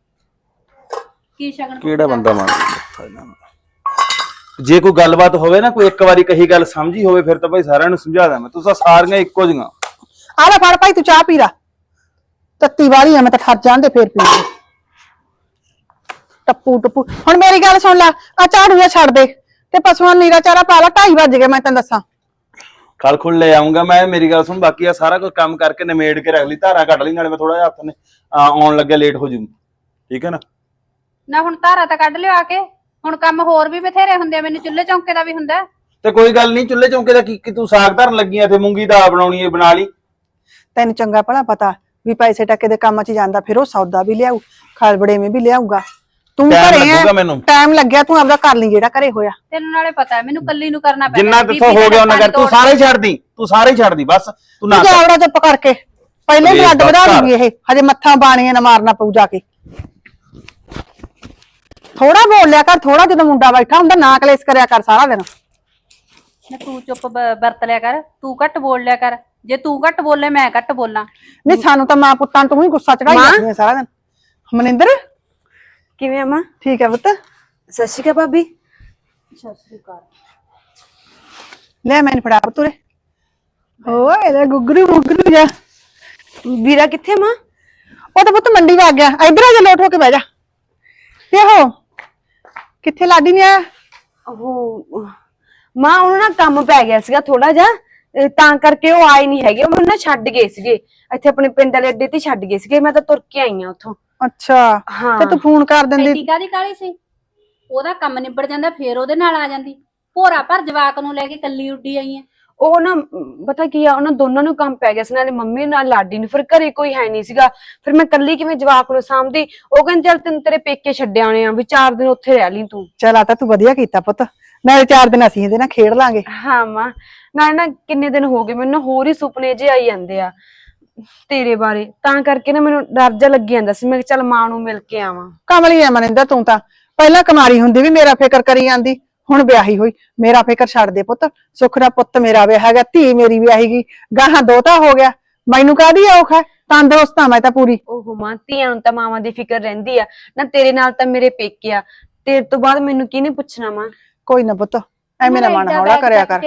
Speaker 4: ਕੀ ਸ਼ਗਨ?
Speaker 5: ਕਿਹੜਾ ਬੰਦਾ ਮਾਰਦਾ? ਜੇ ਕੋਈ ਗੱਲਬਾਤ ਹੋਵੇ ਨਾ, ਕੋਈ ਇੱਕ ਵਾਰੀ ਕਹੀ ਗੱਲ ਸਮਝੀ ਹੋਵੇ, ਫਿਰ ਤਾਂ ਭਾਈ ਸਾਰਿਆਂ ਨੂੰ ਸਮਝਾ ਦਾਂ ਮੈਂ। ਤੁਸੀਂ ਸਾਰੀਆਂ ਇੱਕੋ ਜਿਹੀਆਂ।
Speaker 2: ਆ ਲੈ ਫੜ ਭਾਈ, ਤੂੰ ਚਾਹ ਪੀ ਲਾ। ਤੱਤੀ ਵਾਲੀ ਆ, ਮੈਂ ਤਾਂ ਠਰ ਜਾਣ ਦੇ ਫੇਰ ਪੀ ਲਈ। ਟੱਪੂ ਹੁਣ ਮੇਰੀ ਗੱਲ ਸੁਣ ਲੈ, ਆ ਝਾੜੂ ਜਿਹਾ ਛੱਡ ਦੇ ਤੇ ਪਸ਼ੂਆਂ ਨੂੰ ਨੀਰਾ ਚਾਰਾ ਪਾ ਲਾ। 2:30 ਵੱਜ ਗਏ, ਮੈਂ ਤੈਨੂੰ ਦੱਸਾਂ।
Speaker 5: ਕੱਲ ਖੁੱਲ ਲੈ ਆਉਂਗਾ ਮੈਂ। ਮੇਰੀ ਗੱਲ ਸੁਣ, ਬਾਕੀ ਆ ਸਾਰਾ ਕੁਝ ਕੰਮ ਕਰਕੇ ਨਿਮੇੜ ਕੇ ਰੱਖ ਲਈ, ਧਾਰਾ ਕੱਢ ਲਈ, ਨਾਲੇ ਮੈਂ ਥੋੜਾ ਜਿਹਾ ਹੱਥ ਨੇ ਆਉਣ ਲੱਗਿਆ ਲੇਟ ਹੋ ਜੂ, ਠੀਕ ਹੈ ਨਾ?
Speaker 4: ਨਾ ਹੁਣ ਧਾਰਾ ਤਾਂ ਕੱਢ ਲਿਓ ਆ ਕੇ। ਹੁਣ ਕੰਮ ਹੋਰ ਵੀ ਬਥੇਰੇ ਹੁੰਦੇ ਆ, ਮੈਨੂੰ ਚੁੱਲ੍ਹੇ ਚੌਂਕੇ ਦਾ ਵੀ ਹੁੰਦਾ।
Speaker 5: ਤੇ ਕੋਈ ਗੱਲ ਨਹੀਂ, ਚੁੱਲ੍ਹੇ ਚੌਂਕੇ ਦਾ ਕੀ ਤੂੰ ਸਾਗ ਧਰਨ ਲੱਗੀ ਆ ਤੇ ਮੂੰਗੀ ਦਾਲ ਬਣਾਉਣੀ ਹੈ, ਬਣਾ ਲਈ।
Speaker 2: ਤੈਨੂੰ ਚੰਗਾ ਭਲਾ ਪਤਾ ਵੀ ਪੈਸੇ ਟੱਕੇ ਦੇ ਕੰਮ 'ਚ ਜਾਂਦਾ, ਫਿਰ ਉਹ ਸੌਦਾ ਵੀ ਲਿਆਊ, ਖਲਬੜੇਵੇਂ ਵੀ ਲਿਆਊਗਾ। ਤੂੰ ਘਰੇ ਆ, ਟਾਈਮ ਲੱਗਿਆ, ਤੂੰ ਆਪਦਾ ਕਰ ਲਈ ਜਿਹੜਾ ਘਰੇ ਹੋਇਆ।
Speaker 4: ਤੈਨੂੰ ਨਾਲੇ ਪਤਾ ਮੈਨੂੰ ਕੱਲੀ ਨੂੰ ਕਰਨਾ ਪੈਂਦਾ।
Speaker 5: ਜਿੰਨਾ ਕਿਥੋਂ ਹੋ ਗਿਆ ਉਹਨਾਂ ਕਰ। ਤੂੰ ਸਾਰੇ ਛੱਡ ਦੀ ਬਸ। ਤੂੰ ਨਾ
Speaker 2: ਜਾਵੜਾ ਚੁੱਪ ਕਰਕੇ, ਪਹਿਲੇ ਹੀ ਬਲੱਡ ਵਧਾ ਦੂਗੀ ਇਹ। ਹਜੇ ਮੱਥਾ ਬਾਣੀਆਂ ਨਾ ਮਾਰਨਾ ਪਊ ਜਾ ਕੇ। ਥੋੜਾ ਬੋਲ ਲਿਆ ਕਰ, ਥੋੜਾ। ਜਦੋਂ ਮੁੰਡਾ ਬੈਠਾ ਹੁੰਦਾ ਨਾ ਕਲੇਸ਼ ਕਰਿਆ ਕਰ ਸਾਰਾ ਦਿਨ।
Speaker 4: ਨਾ ਤੂੰ ਚੁੱਪ ਵਰਤ ਲਿਆ ਕਰ, ਤੂੰ ਘੱਟ ਬੋਲ ਲਿਆ ਕਰ। ਜੇ ਤੂੰ ਘੱਟ ਬੋਲੇ ਮੈਂ ਘੱਟ ਬੋਲਾਂ।
Speaker 2: ਨਹੀਂ ਸਾਨੂੰ ਤਾਂ ਮਾਂ ਪੁੱਤਾਂ ਨੂੰ ਤੂੰ ਹੀ ਗੁੱਸਾ ਚੜਾਈ ਜਾਂਦੀ ਸਾਰਾ ਦਿਨ। ਮਨਿੰਦਰ
Speaker 1: ਕਿਵੇਂ ਆ ਮਾਂ?
Speaker 2: ਠੀਕ ਹੈ ਪੁੱਤ।
Speaker 1: ਸਤਿ ਸ਼੍ਰੀ ਅਕਾਲ ਭਾਬੀ।
Speaker 4: ਸਤਿ ਸ੍ਰੀ ਅਕਾਲ।
Speaker 2: ਲੈ ਮੈਨੂੰ ਫੜਾ ਪੁੱਤਰੇ। ਓਏ ਲੈ ਗੁੱਗਰੂ ਮੁੱਗਰੂ ਜਾ।
Speaker 1: ਵੀਰਾ ਕਿੱਥੇ ਮਾਂ?
Speaker 2: ਉਹ ਤਾਂ ਪੁੱਤ ਮੰਡੀ ਵਗ ਗਿਆ, ਇੱਧਰ ਆ ਜਾ, ਲੋਟ ਹੋ ਕੇ ਬਹਿ ਜਾ। ਤੇ ਉਹ ਕਿੱਥੇ ਲਾਡੀ ਨੇ ਆਇਆ?
Speaker 1: ਉਹ ਮਾਂ ਉਹਨੂੰ ਨਾ ਕੰਮ ਪੈ ਗਿਆ ਸੀਗਾ ਥੋੜਾ ਜਿਹਾ, ਤਾਂ ਕਰਕੇ ਉਹ ਆਏ ਨਹੀਂ ਹੈਗੇ। ਉਹ ਮੈਨੂੰ ਨਾ ਛੱਡ ਗਏ ਸੀਗੇ ਇੱਥੇ ਆਪਣੇ ਪਿੰਡ ਵਾਲੇ ਅੱਡੇ ਤੇ ਛੱਡ ਗਏ ਸੀਗੇ। ਮੈਂ ਤਾਂ ਤੁਰ ਕੇ ਆਈ ਆ ਉੱਥੋਂ।
Speaker 2: ਅੱਛਾ
Speaker 1: ਹਾਂ।
Speaker 2: ਤੇ ਤੂੰ ਫੋਨ ਕਰ ਦਿੰਦੀ।
Speaker 4: ਐਡੀ ਕਾਹਦੀ ਕਾਹਲੀ ਸੀ? ਉਹਦਾ ਕੰਮ ਨਿਬੜ ਜਾਂਦਾ ਫੇਰ ਉਹਦੇ ਨਾਲ ਆ ਜਾਂਦੀ। ਭੋਰਾ ਭਰ ਜਵਾਕ ਨੂੰ ਲੈ ਕੇ ਕੱਲੀ ਉੱਡੀ ਆਈ ਆ।
Speaker 1: ਉਹ ਨਾ ਪਤਾ ਕੀ ਆ, ਉਹਨਾਂ ਦੋਨਾਂ ਨੂੰ ਕੰਮ ਪੈ ਗਿਆ ਸੀ, ਨਾਲੇ ਮੰਮੀ ਨਾਲ ਲਾਡੀ ਨੂੰ। ਫਿਰ ਘਰੇ ਕੋਈ ਹੈ ਨਹੀਂ ਸੀਗਾ, ਫਿਰ ਮੈਂ ਕੱਲੀ ਕਿਵੇਂ ਜਵਾਕ ਨੂੰ ਸਾਂਭਦੀ। ਉਹ ਕਹਿੰਦੇ ਚੱਲ ਤੈਨੂੰ ਤੇਰੇ ਪੇਕੇ ਛੱਡ ਆਉਣੇ ਆ, ਵੀ 4 ਦਿਨ ਉੱਥੇ ਰਹਿ ਲਈ ਤੂੰ।
Speaker 2: ਚਲ ਆ ਤਾਂ ਤੂੰ ਵਧੀਆ ਕੀਤਾ ਪੁੱਤ, ਨਾਲੇ 4 ਦਿਨ ਅਸੀਂ ਇਹਦੇ ਨਾਲ ਖੇਡ ਲਾਂਗੇ।
Speaker 1: ਹਾਂ ਮਾਂ, ਨਾਲੇ ਨਾ ਕਿੰਨੇ ਦਿਨ ਹੋ ਗਏ ਮੈਨੂੰ ਨਾ ਹੋਰ ਹੀ ਸੁਪਨੇ ਜਿਹੇ ਆਈ ਜਾਂਦੇ ਆ ਤੇਰੇ ਬਾਰੇ, ਤਾਂ ਕਰਕੇ ਨਾ ਮੈਨੂੰ ਡਰ ਜਾ ਲੱਗੀ ਜਾਂਦਾ ਸੀ। ਮੈਂ ਕਿਹਾ ਚੱਲ ਮਾਂ ਨੂੰ ਮਿਲ ਕੇ ਆਵਾਂ।
Speaker 2: ਕਮਲੀ ਐ ਮਨਿੰਦਰ ਤੂੰ ਤਾਂ, ਪਹਿਲਾਂ ਕੁਮਾਰੀ ਹੁੰਦੀ ਵੀ ਮੇਰਾ ਫਿਕਰ ਕਰੀ ਜਾਂਦੀ, ਹੁਣ ਵਿਆਹੀ ਹੋਈ ਮੇਰਾ ਫਿਕਰ ਛੱਡ ਦੇ ਪੁੱਤ। ਸੁੱਖ ਦਾ ਪੁੱਤ ਮੇਰਾ ਵਿਆਹ ਹੈਗਾ, ਧੀ ਮੇਰੀ ਵਿਆਹੀ ਗਈ, ਗਾਹਾਂ ਦੋਤਾ ਹੋ ਗਿਆ, ਮੈਨੂੰ ਕਾਹਦੀ ਔਖ ਹੈ? ਤੰਦਰੁਸਤ ਆ ਮੈਂ ਤਾਂ ਪੂਰੀ।
Speaker 1: ਓਹੋ ਮਾਂ, ਧੀਆਂ ਨੂੰ ਤਾਂ ਮਾਵਾਂ ਦੀ ਫਿਕਰ ਰਹਿੰਦੀ ਆ ਨਾ। ਤੇਰੇ ਨਾਲ ਤਾਂ ਮੇਰੇ ਪੇਕੇ ਆ, ਤੇਰੇ ਤੋਂ ਬਾਅਦ ਮੈਨੂੰ ਕਿਹਨੇ ਪੁੱਛਣਾ ਮਾਂ?
Speaker 2: ਕੋਈ ਨਾ ਪੁੱਤ, ਐਵੇਂ ਨਾ ਮਨ ਹੌਲਾ ਕਰਿਆ ਕਰ।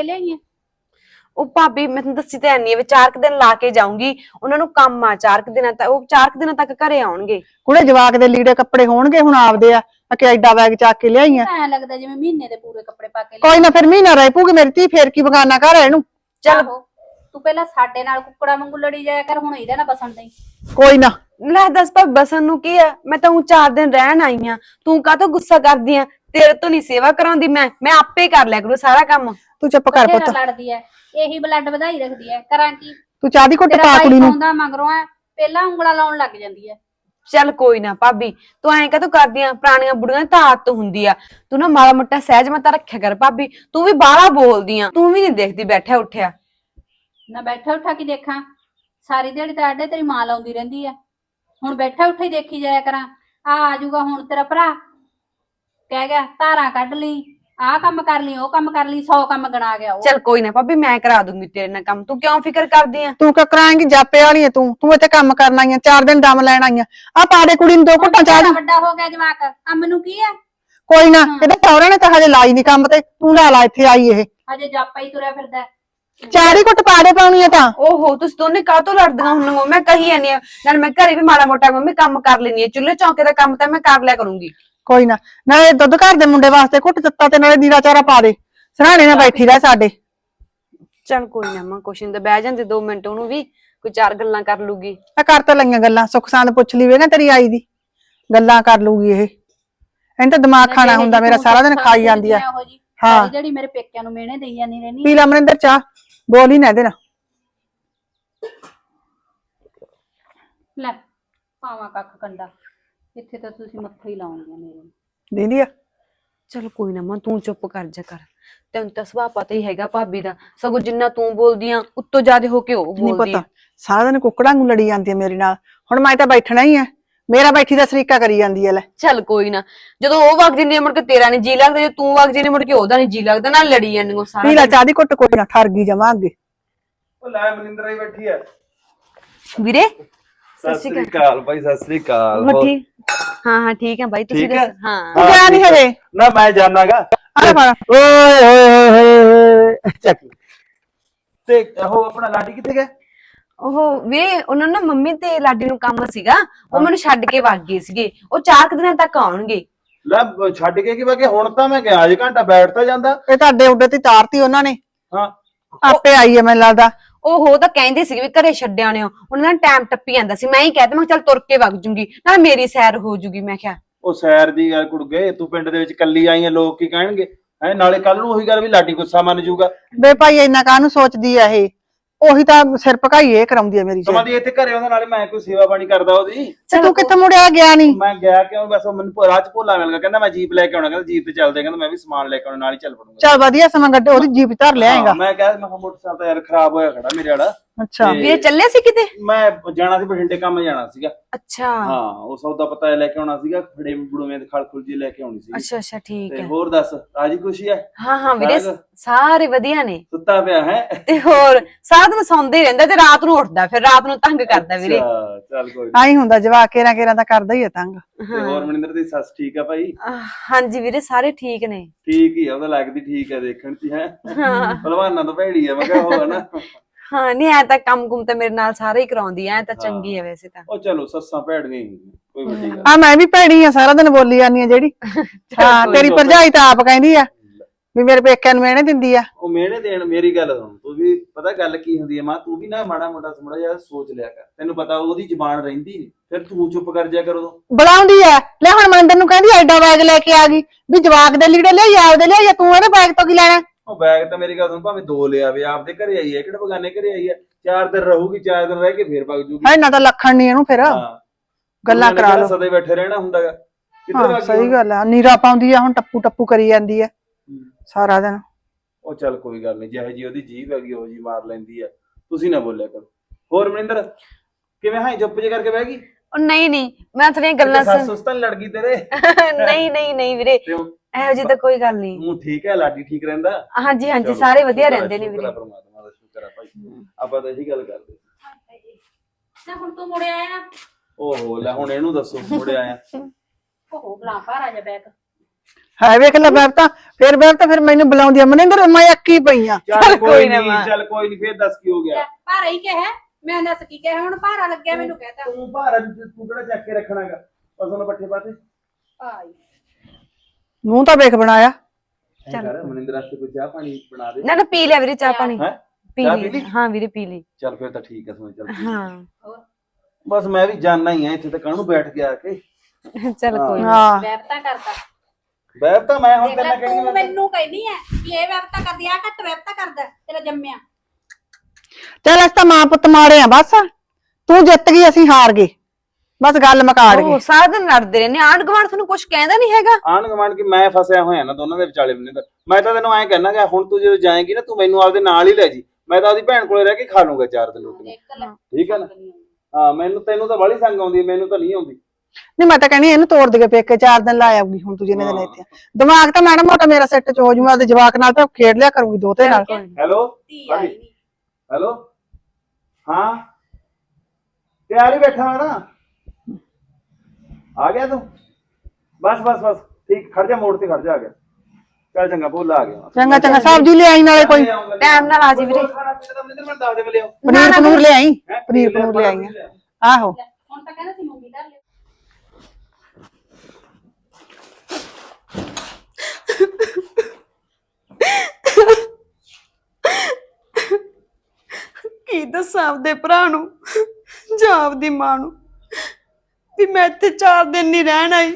Speaker 1: ਉਹ ਭਾਬੀ ਮੈਂ ਤੈਨੂੰ ਦੱਸੀ ਤਾਂ ਨਹੀਂ, 4 ਦਿਨ ਲਾ ਕੇ ਜਾਊਂਗੀ। ਉਹਨਾਂ ਨੂੰ ਕੰਮ ਆ 4 ਦਿਨਾਂ ਤੱਕ, ਉਹ 4 ਦਿਨਾਂ ਤੱਕ ਘਰੇ ਆਉਣਗੇ।
Speaker 2: ਕੁੜੇ ਜਵਾਕ ਦੇ ਲੀੜੇ ਕੱਪੜੇ ਹੋਣਗੇ ਹੁਣ ਆਪਦੇ ਆ ਕਿ ਐਡਾ ਬੈਗ ਚੱਕ ਕੇ ਲਿਆਈਆਂ।
Speaker 4: ਐ ਲੱਗਦਾ ਜਿਵੇਂ ਮਹੀਨੇ ਦੇ ਪੂਰੇ ਕੱਪੜੇ ਪਾ ਕੇ
Speaker 2: ਕੋਈ ਨਾ ਫਿਰ ਮਹੀਨਾ ਰਹਿ ਪੂਗੀ ਮੇਰੀ ਧੀ, ਫੇਰ ਕੀ ਬਗਾਨਾ ਘਰ ਹੈ ਇਹਨੂੰ।
Speaker 1: ਚੱਲ
Speaker 4: ਤੂੰ ਪਹਿਲਾਂ ਸਾਡੇ ਨਾਲ ਕੁੱਕੜਾ ਵਾਂਗੂ ਲੜੀ ਜਾਇਆ ਕਰ, ਹੁਣ ਇਹਦੇ ਨਾਲ ਬਸਣ ਦੇ।
Speaker 2: ਕੋਈ ਨਾ
Speaker 1: ਲੈ ਦੱਸ ਭਾਬੀ, ਬਸਨ ਨੂੰ ਕੀ ਆ? ਮੈਂ ਤਾਂ ਉਹ 4 ਦਿਨ ਰਹਿਣ ਆਈ ਆ, ਤੂੰ ਕਾਹਤੋਂ ਗੁੱਸਾ ਕਰਦੀ ਆ? ਤੇਰੇ ਤੋਂ ਨਹੀਂ ਸੇਵਾ ਕਰਾਉਂਦੀ ਮੈਂ ਆਪੇ ਕਰ ਲਿਆ ਕਰੂ ਸਾਰਾ ਕੰਮ।
Speaker 2: ਤੂੰ ਚੁੱਪ ਕਰ ਪੁੱਤ,
Speaker 4: ਬਥੇਰਾ ਲੜਦੀ ਐ, ਇਹੀ ਬਲੱਡ ਵਧਾਈ ਰੱਖਦੀ ਐ। ਕਰਾਂ ਕੀ?
Speaker 2: ਤੂੰ ਚਾਹ ਦੀ ਘੁੱਟ
Speaker 4: ਤੇਰਾ
Speaker 2: ਪਾ
Speaker 4: ਭਾਈ
Speaker 2: ਕੁੜੀ ਨੂੰ।
Speaker 4: ਆਉਂਦਾ ਮਗਰੋਂ ਐ, ਪਹਿਲਾਂ ਉਂਗਲਾਂ ਲਾਉਣ ਲੱਗ ਜਾਂਦੀ ਐ।
Speaker 1: ਚੱਲ ਕੋਈ ਨਾ ਭਾਬੀ, ਤੂੰ ਐਂ ਕਾਹਤੋਂ ਕਰਦੀ ਆ? ਪੁਰਾਣੀਆਂ ਬੁੜੀਆਂ ਦੀ ਤਾਂ ਆਦਤ ਹੁੰਦੀ ਆ। ਤੂੰ ਨਾ ਮਾੜਾ ਮੋਟਾ ਸਹਿਜ ਮਤਾ ਰੱਖਿਆ ਕਰ ਭਾਬੀ। ਤੂੰ ਵੀ ਬਾਹਲਾ ਬੋਲਦੀ ਆ, ਤੂੰ ਵੀ ਨਹੀਂ ਦੇਖਦੀ ਬੈਠਿਆ ਉੱਠਿਆ।
Speaker 4: ਨਾ ਬੈਠਾ ਉੱਠਾ ਕੀ ਦੇਖਾਂ? ਸਾਰੀ ਦਿਹਾੜੀ ਤਾਂ ਆਡੇ ਤੇਰੀ ਮਾਂ ਲਾਉਂਦੀ ਰਹਿੰਦੀ ਐ, ਹੁਣ ਬੈਠਾ ਉੱਠਾ ਹੀ ਦੇਖੀ ਜਾਇਆ ਕਰਾਂ। ਆ ਜਾਊਗਾ ਹੁਣ ਤੇਰਾ ਭਰਾ, ਕਹਿ ਗਿਆ ਧਾਰਾਂ ਕੱਢ ਲਈ, ਆਹ ਕੰਮ ਕਰ ਲਈ, ਉਹ ਕੰਮ ਕਰ ਲਈ, 100 ਕੰਮ ਗਣਾ ਗਿਆ ਉਹ।
Speaker 1: ਚੱਲ ਕੋਈ ਨਾ ਭਾਬੀ, ਮੈਂ ਕਰਾ ਦੂੰਗੀ ਤੇਰੇ ਨਾਲ ਕੰਮ। ਤੂੰ ਕਿਉਂ ਫਿਕਰ ਕਰਦੀ ਆ?
Speaker 2: ਤੂੰ ਕਰਾਏਂਗੀ ਜਾਪੇ ਵਾਲੀ ਐ ਤੂੰ ਇੱਥੇ ਕੰਮ ਕਰਨ ਆਈਆਂ, 4 ਦਿਨ ਦਮ ਲੈਣ ਆਈਆਂ। ਆ ਪਾੜੇ ਕੁੜੀ ਨੂੰ 2 ਘੁੱਟਾਂ ਚਾਹ ਦੀ।
Speaker 4: ਵੱਡਾ ਹੋ ਗਿਆ ਜਵਾਕ, ਕੰਮ ਨੂੰ ਕੀ ਐ?
Speaker 2: ਕੋਈ ਨਾ, ਇਹਦੇ ਸਹੁਰੇ ਨੇ ਤਾਂ ਹਜੇ ਲਾਈ ਨਹੀਂ ਕੰਮ ਤੇ, ਤੂੰ ਲਾ ਇੱਥੇ ਆਈ ਇਹ।
Speaker 4: ਹਜੇ ਜਾਪਾ ਹੀ ਤੁਰਿਆ ਫਿਰਦਾ।
Speaker 2: ਚਾਰ ਹੀ ਘੁੱਟ ਪਾੜੇ ਪਾਉਣੀ ਐ ਤਾਂ।
Speaker 1: ਓਹੋ, ਤੁਸੀਂ ਦੋਨੇ ਕਾਹਤੋਂ ਲੜਦੀਆਂ ਹੁੰਦੀਆਂ? ਮੈਂ ਕਹੀ ਜਾਂਦੀ ਆ ਨਾਲ, ਮੈਂ ਘਰੇ ਵੀ ਮਾੜਾ ਮੋਟਾ ਮੰਮੀ ਕੰਮ ਕਰ ਲੈਣੀ ਆ, ਚੁੱਲ੍ਹੇ ਚੌਂਕੇ ਦਾ ਕੰਮ ਤਾਂ ਮੈਂ ਕਰ ਲਿਆ ਕਰੂੰਗੀ।
Speaker 2: ਕੋਈ ਨਾ, ਨਾਲੇ ਦੁੱਧ ਘਰ ਦੇ ਮੁੰਡੇ ਵਾਸਤੇ ਘੁੱਟ ਦਿੱਤਾ ਤੇ ਨਾਲੇ ਨੀਰਾ ਚਾਰਾ ਪਾ ਦੇ, ਸਰਾਣੇ ਨਾਲ ਬੈਠੀ ਰਹਿ ਸਾਡੇ।
Speaker 1: ਚੱਲ ਕੋਈ ਨਾ ਮਾਂ, ਕੁਛ ਨੀ, ਤਾਂ ਬਹਿ ਜਾਂਦੇ 2 ਮਿੰਟ, ਉਹਨੂੰ ਵੀ ਕੋਈ 4 ਗੱਲਾਂ ਕਰ ਲੂਗੀ।
Speaker 2: ਆ ਕਰ ਤਾਂ ਲਈਆਂ ਗੱਲਾਂ, ਸੁੱਖ ਸਾਂਦ ਪੁੱਛ ਲਈ ਵੇਗਾ ਤੇਰੀ ਆਈ ਦੀ, ਗੱਲਾਂ ਕਰ ਲੂਗੀ ਇਹ। ਇਹਨੂੰ ਤਾਂ ਦਿਮਾਗ ਖਾਣਾ ਹੁੰਦਾ ਮੇਰਾ, ਸਾਰਾ ਦਿਨ ਖਾਈ ਜਾਂਦੀ ਆ।
Speaker 4: ਹਾਂ, ਜਿਹੜੀ ਮੇਰੇ ਪੇਕਿਆਂ ਨੂੰ ਮਿਹਣੇ ਦੇਈ ਜਾਂਦੀ ਰਹਿੰਦੀ।
Speaker 2: ਪੀ ਲਾ ਮਨਿੰਦਰ ਚਾਹ, ਬੋਲ ਹੀ ਨਾ ਇਹਦੇ ਨਾਲ।
Speaker 4: ਲੈ ਪਾਵਾਂ ਕੱਖ ਕੰਡਾ, ਇੱਥੇ ਤਾਂ ਤੁਸੀਂ ਮੱਥਾ ਹੀ ਲਾਉਂਗੇ ਮੇਰੇ।
Speaker 2: ਦੀਦੀ ਆ
Speaker 1: ਚਲ ਕੋਈ ਨਾ ਮਾਂ, ਤੂੰ ਚੁੱਪ ਕਰ ਜਾ ਕਰ। ਤੈਨੂੰ ਤਾਂ ਸੁਭਾਅ ਪਤਾ ਹੀ ਹੈਗਾ ਭਾਬੀ ਦਾ, ਸਗੋਂ ਜਿੰਨਾ ਤੂੰ ਬੋਲਦੀ ਆ ਉੱਤੋਂ ਜ਼ਿਆਦਾ ਹੋ ਕੇ ਉਹ
Speaker 2: ਨਹੀਂ
Speaker 1: ਬੋਲਦੀ ਆ।
Speaker 2: ਪਤਾ, ਸਾਰਾ ਦਿਨ ਕੁੱਕੜਾਂ ਨੂੰ ਲੜੀ ਜਾਂਦੀ ਹੈ ਮੇਰੇ ਨਾਲ। ਹੁਣ ਮੈਂ ਤਾਂ ਬੈਠਣਾ ਹੀ ਆ, ਮੇਰਾ ਬੈਠੀ ਦਾ ਸਰੀਕਾ ਕਰੀ ਜਾਂਦੀ ਹੈ। ਲੈ
Speaker 1: ਚੱਲ ਕੋਈ ਨਾ, ਜਦੋਂ ਉਹ ਵਗ ਜਾਂਦੀ ਆ ਮੁੜ ਕੇ ਤੇਰਾ ਨੀ ਜੀ ਲੱਗਦਾ, ਜੇ ਤੂੰ ਵਗ ਜਾਂਦੀ ਮੁੜ ਕੇ ਉਹਦਾ ਨੀ ਜੀ ਲੱਗਦਾ, ਨਾਲ ਲੜੀ ਜਾਂਦੀਆਂ ਸਾਰਾ
Speaker 2: ਪੀ ਲੈ
Speaker 1: ਦਿਨ।
Speaker 2: ਚਾਹ ਦੀ ਘੁੱਟ, ਕੋਈ ਨਾ ਠਰ ਗਈ ਜਮਾ ਅੱਗੇ।
Speaker 5: ਉਹ ਲੈ ਮਨਿੰਦਰ ਆਈ ਬੈਠੀ ਆ।
Speaker 1: ਵੀਰੇ
Speaker 5: ਸਤਿ ਸ੍ਰੀ ਅਕਾਲ ਭਾਈ, ਸਤਿ ਸ੍ਰੀ ਅਕਾਲ।
Speaker 1: ਹੋਰ ਠੀਕ? ਹਾਂ ਠੀਕ ਆ ਬਾਈ, ਤੁਸੀਂ
Speaker 5: ਠੀਕ ਆ?
Speaker 1: ਦੱਸੋ? ਹਾਂ
Speaker 2: ਤੂੰ ਗਿਆ ਨਹੀਂ ਹਜੇ?
Speaker 5: ਨਾ ਮੈਂ ਜਾਣਾਗਾ।
Speaker 2: ਆ ਫੜ।
Speaker 5: ਓਏ ਹੋਏ ਹੋਏ ਚੱਕ। ਤੇ ਉਹ ਆਪਣਾ ਲਾਡੀ ਕਿੱਥੇ ਗਿਆ?
Speaker 1: ਉਹ ਵੀਰੇ, ਉਹਨਾਂ ਨੂੰ ਨਾ ਮੰਮੀ ਤੇ ਲਾਡੀ ਨੂੰ ਕੰਮ ਸੀਗਾ, ਉਹ ਮੈਨੂੰ ਛੱਡ ਕੇ ਵਗ ਗਏ ਸੀਗੇ। ਉਹ 4 ਦਿਨਾਂ ਤੱਕ ਆਉਣਗੇ।
Speaker 5: ਲੈ ਛੱਡ ਕੇ ਕੀ ਵਗੇ? ਹੁਣ ਤਾਂ ਮੈਂ ਗਿਆ, ਅਜੇ ਘੰਟਾ ਬੈਠ ਤਾਂ ਜਾਂਦਾ।
Speaker 2: ਇਹ ਤੁਹਾਡੇ ਉੱਡੇ ਤੇ ਤਾਰਤੀ ਉਹਨਾਂ ਨੇ,
Speaker 5: ਹਾਂ
Speaker 2: ਆਪੇ ਆਈ ਹੈ ਮੈਨੂੰ ਲੱਗਦਾ।
Speaker 1: ਉਹ ਤਾਂ ਕਹਿੰਦੇ ਸੀਗੇ ਵੀ ਘਰੇ ਛੱਡਿਆ ਨੇ, ਉਹਨਾਂ ਦਾ ਟਾਈਮ ਟੱਪੀ ਜਾਂਦਾ ਸੀ। ਮੈਂ ਹੀ ਕਹਿ ਤਾ, ਮੈਂ ਕਿਹਾ ਚੱਲ ਤੁਰ ਕੇ ਵਗ ਜੂੰਗੀ, ਨਾਲ ਮੇਰੀ ਸੈਰ ਹੋ ਜੂਗੀ। ਮੈਂ ਕਿਹਾ
Speaker 5: ਉਹ ਸੈਰ ਦੀ ਗੱਲ ਕੁੜ ਗਏ, ਤੂੰ ਪਿੰਡ ਦੇ ਵਿੱਚ ਕੱਲੀ ਆਈ ਆ, ਲੋਕ ਕੀ ਕਹਿਣਗੇ? ਹੈ ਨਾਲੇ ਕੱਲ ਨੂੰ ਉਹੀ ਗੱਲ ਵੀ ਲਾਡੀ ਗੁੱਸਾ ਮੰਨ ਜੂਗਾ।
Speaker 2: ਬੇ ਭਾਈ ਇੰਨਾ ਕਾਹਨੂੰ ਸੋਚਦੀ ਆ ਇਹ, ਉਹੀ ਤਾਂ ਸਿਰ ਭਕਾਈ ਇਹ ਕਰਾਉਂਦੀ ਆ ਮੇਰੀ।
Speaker 5: ਸਮਾਂ ਦੀ ਇੱਥੇ ਘਰੇ ਉਹਦੇ ਨਾਲੇ ਮੈਂ ਕੋਈ ਸੇਵਾ ਪਾਣੀ ਕਰਦਾ ਉਹਦੀ।
Speaker 2: ਤੇ ਤੂੰ ਕਿੱਥੇ ਮੁੜਿਆ? ਗਿਆ ਨਹੀਂ?
Speaker 5: ਮੈਂ ਗਿਆ ਕਿਉਂ? ਬਸ ਉਹ ਮੈਨੂੰ ਰਾਹ ਚ ਭੋਲਾ ਮਿਲ ਗਿਆ, ਕਹਿੰਦਾ ਮੈਂ ਜੀਪ ਲੈ ਕੇ ਆਉਣਾ, ਕਹਿੰਦਾ ਜੀਪ ਤੇ ਚੱਲਦੇ, ਕਹਿੰਦਾ ਮੈਂ ਵੀ ਸਮਾਨ ਲੈ ਕੇ ਆਉਣਾ, ਨਾਲ ਹੀ ਚੱਲ ਪੜੂੰਗਾ।
Speaker 2: ਚੱਲ ਵਧੀਆ ਸਮਾਂ ਕੱਢੇ, ਉਹਦੀ ਜੀਪ ਧਰ ਲਿਆਏਗਾ।
Speaker 5: ਮੈਂ ਕਿਹਾ ਮੈਂ ਕਿਹਾ ਮੋਟਰਸਾਈਕਲ ਤਾਂ ਯਾਰ ਖਰਾਬ ਹੋਇਆ ਖੜਾ ਮੇਰੇ ਵਾਲਾ।
Speaker 2: ਅੱਛਾ
Speaker 1: ਵੀਰੇ ਚੱਲੇ ਸੀ ਕਿਤੇ?
Speaker 5: ਮੈਂ ਜਾਣਾ ਸੀ ਬਠਿੰਡੇ, ਕੰਮ ਜਾਣਾ ਸੀਗਾ।
Speaker 1: ਅੱਛਾ
Speaker 5: ਹਾਂ ਉਹ ਸੌਦਾ ਪਤਾ ਲੈ ਕੇ ਆਉਣਾ ਸੀਗਾ, ਫੜੇ ਬੜੂਵੇਂ ਦੇ ਖਲ ਖੁਲ ਜੀ ਲੈ ਕੇ ਆਉਣੀ ਸੀ।
Speaker 1: ਅੱਛਾ ਠੀਕ
Speaker 5: ਤੇ
Speaker 1: ਹੈ।
Speaker 5: ਹੋਰ ਦੱਸ, ਰਾਜੀ ਖੁਸ਼ੀ ਹੈ?
Speaker 1: ਹਾਂ ਵੀਰੇ, ਸਾਰੇ ਵਧੀਆ ਨੇ।
Speaker 5: ਸੁੱਤਾ ਪਿਆ ਹੈ?
Speaker 1: ਤੇ ਹੋਰ ਸਾਰਾ ਦਿਨ ਸੌਂਦਾ ਹੀ ਰਹਿੰਦਾ ਤੇ ਰਾਤ ਨੂੰ ਉੱਠਦਾ, ਫਿਰ ਰਾਤ ਨੂੰ ਤੰਗ ਕਰਦਾ ਵੀਰੇ।
Speaker 5: ਅੱਛਾ, ਚੱਲ ਕੋਈ ਨੀ।
Speaker 2: ਆਈ ਹੁੰਦਾ ਜਵਾਕ ਕੇਰਾ ਕੇਰਾ ਤਾਂ ਕਰਦਾ ਹੀ ਹੈ ਤੰਗ।
Speaker 5: ਤੇ ਹੋਰ ਮਨਿੰਦਰ ਦੀ ਸੱਸ ਠੀਕ ਆ ਭਾਈ?
Speaker 1: ਹਾਂਜੀ ਵੀਰੇ, ਸਾਰੇ ਠੀਕ ਨੇ।
Speaker 5: ਠੀਕ ਹੀ ਆ, ਉਹਦਾ ਲੱਗਦੀ ਠੀਕ ਹੈ ਦੇਖਣ ਚ ਹੈ।
Speaker 1: ਹਾਂ
Speaker 5: ਭਲਵਾਨਾਂ ਤੋਂ ਭੈੜੀ ਆ ਮੈਂ ਕਿਹਾ, ਉਹ ਨਾ।
Speaker 1: ਹਾਂ ਨਹੀਂ ਐ ਤਾਂ ਕੰਮ ਕੁਮ ਤਾਂ ਮੇਰੇ ਨਾਲ ਸਾਰੇ ਹੀ ਕਰਾਉਂਦੀ ਐ ਤਾਂ ਚੰਗੀ ਐ ਵੈਸੇ ਤਾਂ।
Speaker 5: ਉਹ ਚਲੋ ਸੱਸਾਂ ਭੈੜੀਆਂ ਹੀ ਹੁੰਦੀਆਂ, ਕੋਈ ਵੱਡੀ ਗੱਲ
Speaker 2: ਆ ਮੈਂ ਵੀ ਭੈੜੀ ਆ, ਸਾਰਾ ਦਿਨ ਬੋਲੀ ਜਾਂਦੀ ਆ ਜਿਹੜੀ। ਹਾਂ
Speaker 1: ਕੋਈ
Speaker 2: ਤੇਰੀ
Speaker 5: ਨੀ।
Speaker 2: ਭਰਜਾਈ ਤਾਂ ਆਪ ਕਹਿੰਦੀ ਆ ਵੀ ਮੇਰੇ ਪੇਕਿਆਂ ਨੂੰ ਮਿਹਣੇ ਦਿੰਦੀ ਆ।
Speaker 5: ਉਹ ਮਿਹਣੇ ਦੇਣ, ਮੇਰੀ ਗੱਲ ਸੁਣ, ਤੂੰ ਵੀ ਪਤਾ ਗੱਲ ਕੀ ਹੁੰਦੀ ਹੈ ਮਾਂ, ਤੂੰ ਵੀ ਨਾ ਮਾੜਾ ਮੋਟਾ ਥੋੜਾ ਜਿਹਾ ਸੋਚ ਲਿਆ ਕਰ, ਤੈਨੂੰ ਪਤਾ ਉਹਦੀ ਜ਼ੁਬਾਨ ਰਹਿੰਦੀ ਨਹੀਂ, ਫਿਰ ਤੂੰ ਚੁੱਪ ਕਰ ਜਾ ਕਰ ਉਦੋਂ।
Speaker 2: ਬੁਲਾਉਂਦੀ ਆ, ਲੈ ਹੁਣ ਮਨਿੰਦਰ ਨੂੰ ਕਹਿੰਦੀ ਐਡਾ ਬੈਗ ਲੈ ਕੇ ਆ ਗਈ ਵੀ ਜਵਾਕ ਦੇ ਲੀੜੇ ਲਿਆਈ, ਆਪਦੇ ਲਿਆਈ, ਤੂੰ ਇਹਦੇ ਬੈਗ ਤੋਂ ਕੀ ਲੈਣਾ?
Speaker 5: ਉਹ ਬੈਗ ਤਾਂ ਮੇਰੀ ਗੱਲ ਸੁਣ, ਭਾਵੇਂ 2 ਲਿਆਵੇ, ਆਪਦੇ ਘਰੇ ਆਈ ਹੈ, ਕਿਹੜੇ ਬਗਾਨੇ ਘਰੇ ਆਈ ਹੈ, 4 ਦਿਨ ਰਹੂਗੀ, 4 ਦਿਨ ਰਹਿ ਕੇ ਫੇਰ ਭੱਜ ਜੂਗੀ।
Speaker 2: ਇੰਨਾ ਤਾਂ ਲੱਖਣ ਨਹੀਂ ਇਹਨੂੰ ਫਿਰ
Speaker 5: ਹਾਂ
Speaker 2: ਗੱਲਾਂ ਕਰਾ ਲਓ।
Speaker 5: ਸਦੇ ਬੈਠੇ ਰਹਿਣਾ ਹੁੰਦਾਗਾ,
Speaker 2: ਹਾਂ ਸਹੀ ਗੱਲ ਆ, ਨੀਰਾ ਪਾਉਂਦੀ ਆ ਹੁਣ, ਟੱਪੂ ਟੱਪੂ ਕਰੀ ਜਾਂਦੀ ਆ ਸਾਰਾ ਦਿਨ।
Speaker 5: ਉਹ ਚੱਲ ਕੋਈ ਗੱਲ ਨਹੀਂ, ਜਿਹੋ ਜੀ ਉਹਦੀ ਜੀਭ ਹੈਗੀ ਉਹ ਜੀ ਮਾਰ ਲੈਂਦੀ ਆ, ਤੁਸੀਂ ਨਾ ਬੋਲਿਆ ਕਰੋ। ਹੋਰ ਮਨਿੰਦਰ ਕਿਵੇਂ ਹਾਂ ਚੁੱਪ ਜੇ ਕਰਕੇ ਬਹਿ ਗਈ?
Speaker 1: ਉਹ ਨਹੀਂ ਮੈਂ ਥੋੜੀਆਂ ਗੱਲਾਂ
Speaker 5: ਸੱਸ ਸੁਸ ਤਾਂ ਨੀ ਲੜ ਗਈ ਤੇਰੇ?
Speaker 1: ਨਹੀਂ ਵੀਰੇ, ਇਹੋ ਜੀ ਤਾਂ ਕੋਈ ਗੱਲ ਨਹੀਂ।
Speaker 5: ਤੂੰ ਠੀਕ ਹੈ, ਲਾਡੀ ਠੀਕ ਰਹਿੰਦਾ?
Speaker 1: ਹਾਂਜੀ
Speaker 5: ਚਲੋ,
Speaker 1: ਸਾਰੇ ਵਧੀਆ
Speaker 5: ਸ਼ੁਕਰ ਆ,
Speaker 1: ਰਹਿੰਦੇ ਨੇ
Speaker 5: ਸ਼ੁਕਰ ਆ
Speaker 1: ਵੀਰੇ।
Speaker 5: ਪਰਮਾਤਮਾ ਦਾ, ਸ਼ੁਕਰ ਆ ਭਾਈ। ਆਪਾਂ ਤਾਂ ਇਹੀ ਗੱਲ ਕਰਦੇ।
Speaker 4: ਨਾ ਹੁਣ ਤੂੰ ਮੁੜਿਆ ਆ।
Speaker 5: ਓਹੋ ਲੈ ਹੁਣ ਇਹਨੂੰ ਦੱਸੋ, ਮੁੜੇ ਆਇਆ।
Speaker 4: ਉਹ ਬਲਾ ਭਾਰਾ ਜਾ ਬੈਗ।
Speaker 2: ਹੈ ਵੇਖ ਲੈ ਬੈਠਾ, ਫਿਰ ਮੈਨੂੰ ਬੁਲਾਉਂਦੀ ਆ, ਮਨਿੰਦਰ ਮੈਂ ਅੱਕੀ ਪਈ ਆ।
Speaker 5: ਚੱਲ ਕੋਈ
Speaker 1: ਕੋਈ ਨਾ
Speaker 5: ਨਹੀਂ,
Speaker 1: ਮਾਂ।
Speaker 5: ਚੱਲ ਕੋਈ ਨਹੀਂ, ਫੇਰ ਦੱਸ ਕੀ ਹੋ ਗਿਆ?
Speaker 4: ਭਾਰਾ ਹੀ ਕਿਹਾ, ਮੈਂ ਦੱਸ ਕੀ ਕਿਹਾ, ਹੁਣ ਭਾਰਾ ਲੱਗਿਆ ਮੈਨੂੰ ਕਹਤਾ।
Speaker 5: ਤੂੰ ਭਾਰਤ ਤੂੰ ਕਿਹੜਾ ਚੱਕ ਕੇ ਰੱਖਣਾਗਾ, ਪਸ਼ੂ ਨੂੰ ਪੱਠੇ ਪਾਤੇ।
Speaker 4: ਭਾਈ
Speaker 2: ਮੂੰਹ ਤਾਂ ਵੇਖ ਬਣਾਇਆ।
Speaker 5: ਚੱਲ ਮਨਿੰਦਰ ਵਾਸਤੇ ਕੋਈ ਚਾਹ ਪਾਣੀ ਬਣਾ ਦੇ।
Speaker 1: ਨਾ ਪੀ ਲਿਆ ਵੀਰੇ ਚਾਹ ਪਾਣੀ,
Speaker 5: ਹੈਂ?
Speaker 1: ਪੀ
Speaker 5: ਚਾਹ
Speaker 1: ਲਈ।
Speaker 5: ਪੀ ਲਈ?
Speaker 1: ਹਾਂ ਵੀਰੇ ਪੀ ਲਈ।
Speaker 5: ਚੱਲ ਫਿਰ ਤਾਂ ਠੀਕ ਹੈ, ਸਮਝ ਚੱਲ।
Speaker 1: ਹਾਂ
Speaker 5: ਬਸ ਮੈਂ ਵੀ ਜਾਣਾ ਹੀ ਆ, ਇੱਥੇ ਤਾਂ ਕਾਹਨੂੰ ਬੈਠ ਗਿਆ ਕੇ।
Speaker 1: ਚੱਲ ਕੋਈ ਨਾ।
Speaker 2: ਹਾਂ
Speaker 4: ਵੈਬਤਾ ਕਰਦਾ।
Speaker 5: ਬੈਠ ਤਾਂ ਮੈਂ ਹੁਣ
Speaker 4: ਦੇਖ ਲੈ
Speaker 5: ਤੈਨੂੰ
Speaker 4: ਤੂੰ
Speaker 5: ਕਹਿੰਦੀ
Speaker 4: ਮੈਨੂੰ ਕਹਿੰਦੀ ਐ ਕਿ ਇਹ ਵੈਬਤਾ ਕਰਦੀ ਆ, ਘੱਟ ਵੈਬਤਾ ਕਰਦਾ ਤੇਰਾ ਜੰਮਿਆ।
Speaker 2: ਚੱਲ ਅਸੀਂ ਤਾਂ ਮਾਂ ਪੁੱਤ ਮਾੜੇ ਆ, ਬਸ ਤੂੰ ਜਿੱਤ ਗਈ ਅਸੀਂ ਹਾਰ ਗਏ, ਬਸ ਗੱਲ ਮੁਕਾੜ
Speaker 1: ਉਹ
Speaker 2: ਗਏ।
Speaker 1: ਸਾਰਾ ਦਿਨ ਲੜਦੇ ਰਹਿੰਦੇ, ਆਂਢ ਗੁਆਂਢ ਤੁਹਾਨੂੰ ਕੁਝ ਕਹਿੰਦਾ ਨਹੀਂ ਹੈਗਾ?
Speaker 5: ਆਣ ਗਵਾਂਡ ਕਿ ਮੈਂ ਫਸਿਆ ਹੋਇਆ ਨਾ ਦੋਨਾਂ ਦੇ ਵਿਚਾਲੇ ਮਨਿੰਦਰ। ਮੈਂ ਤਾਂ ਤੈਨੂੰ ਐਂ ਕਹਿਣਾ ਕਿ ਹੁਣ ਤੂੰ ਜਦੋਂ ਜਾਏਂਗੀ ਨਾ, ਤੂੰ ਮੈਨੂੰ ਆਪਦੇ ਨਾਲ ਹੀ ਲੈ ਜੀ, ਮੈਂ ਤਾਂ ਆਪਦੀ ਭੈਣ ਕੋਲੇ ਰਹਿ ਕੇ ਖਾ ਲੂੰਗਾ 4 ਦਿਨ ਰੋਟੀ।
Speaker 4: ਦੇਖ ਲੈ
Speaker 5: ਠੀਕ ਹੈ ਨਾ? ਹਾਂ ਤੈਨੂੰ ਤਾਂ ਬਾਹਲੀ ਸੰਗ ਆਉਂਦੀ, ਮੈਨੂੰ ਤਾਂ ਨਹੀਂ ਆਉਂਦੀ।
Speaker 2: ਨਹੀਂ ਮੈਂ ਤਾਂ ਕਹਿੰਦੀ ਇਹਨੂੰ ਤੋੜ ਦੇ ਪੇਕੇ, 4 ਦਿਨ ਲਾ ਆਊਗੀ ਹੁਣ ਤੂੰ ਜਿੰਨੇ ਦਿਨ ਇੱਥੇ। ਦਿਮਾਗ ਤਾਂ ਮਾੜਾ ਮੋਟਾ ਮੇਰਾ ਸੈੱਟ ਚ ਹੋ ਜੂਗਾ, ਤੇ ਜਵਾਕ ਨਾਲ ਤਾਂ ਖੇਡ ਲਿਆ ਕਰੂੰਗੀ ਦੋਤੇ ਨਾਲ।
Speaker 5: ਹੈਲੋ
Speaker 4: ਧੀ ਆਈ ਨੀ।
Speaker 5: ਹੈਲੋ ਹਾਂ ਤਿਆਰ ਹੀ ਬੈਠਾ ਮੈਂ ਤਾਂ, ਆ ਗਿਆ ਤੂੰ? ਬਸ ਠੀਕ, ਖੜ ਜਾ, ਮੋੜ ਤੇ ਖੜ ਜਾ, ਆ ਗਿਆ। ਚੱਲ ਚੰਗਾ, ਭੋਲਾ ਆ ਗਿਆ।
Speaker 2: ਚੰਗਾ ਸਬਜ਼ੀ ਲੈ ਆਈ, ਨਾਲੇ ਕੋਈ
Speaker 1: ਟਾਈਮ ਨਾਲ ਆ ਜੀ ਵੀਰੇ।
Speaker 5: ਮੈਨੂੰ ਦੱਸ ਦੇ ਲਿਆਓ।
Speaker 2: ਪਨੀਰ ਪਨੂਰ ਲੈ ਆਈ, ਪਨੀਰ ਲੈ ਆਈ ਆ। ਆਹੋ
Speaker 4: ਹੁਣ ਤਾਂ ਕਹਿੰਦਾ ਸੀ ਮੰਮੀ ਧਰ ਲਿਓ।
Speaker 6: ਕੀ ਦੱਸਾਂ ਆਪਦੇ ਭਰਾ ਨੂੰ ਜਾਂ ਆਪਦੀ ਮਾਂ ਨੂੰ ਵੀ ਮੈਂ ਇੱਥੇ 4 ਦਿਨ ਨਹੀਂ ਰਹਿਣ ਆਈ।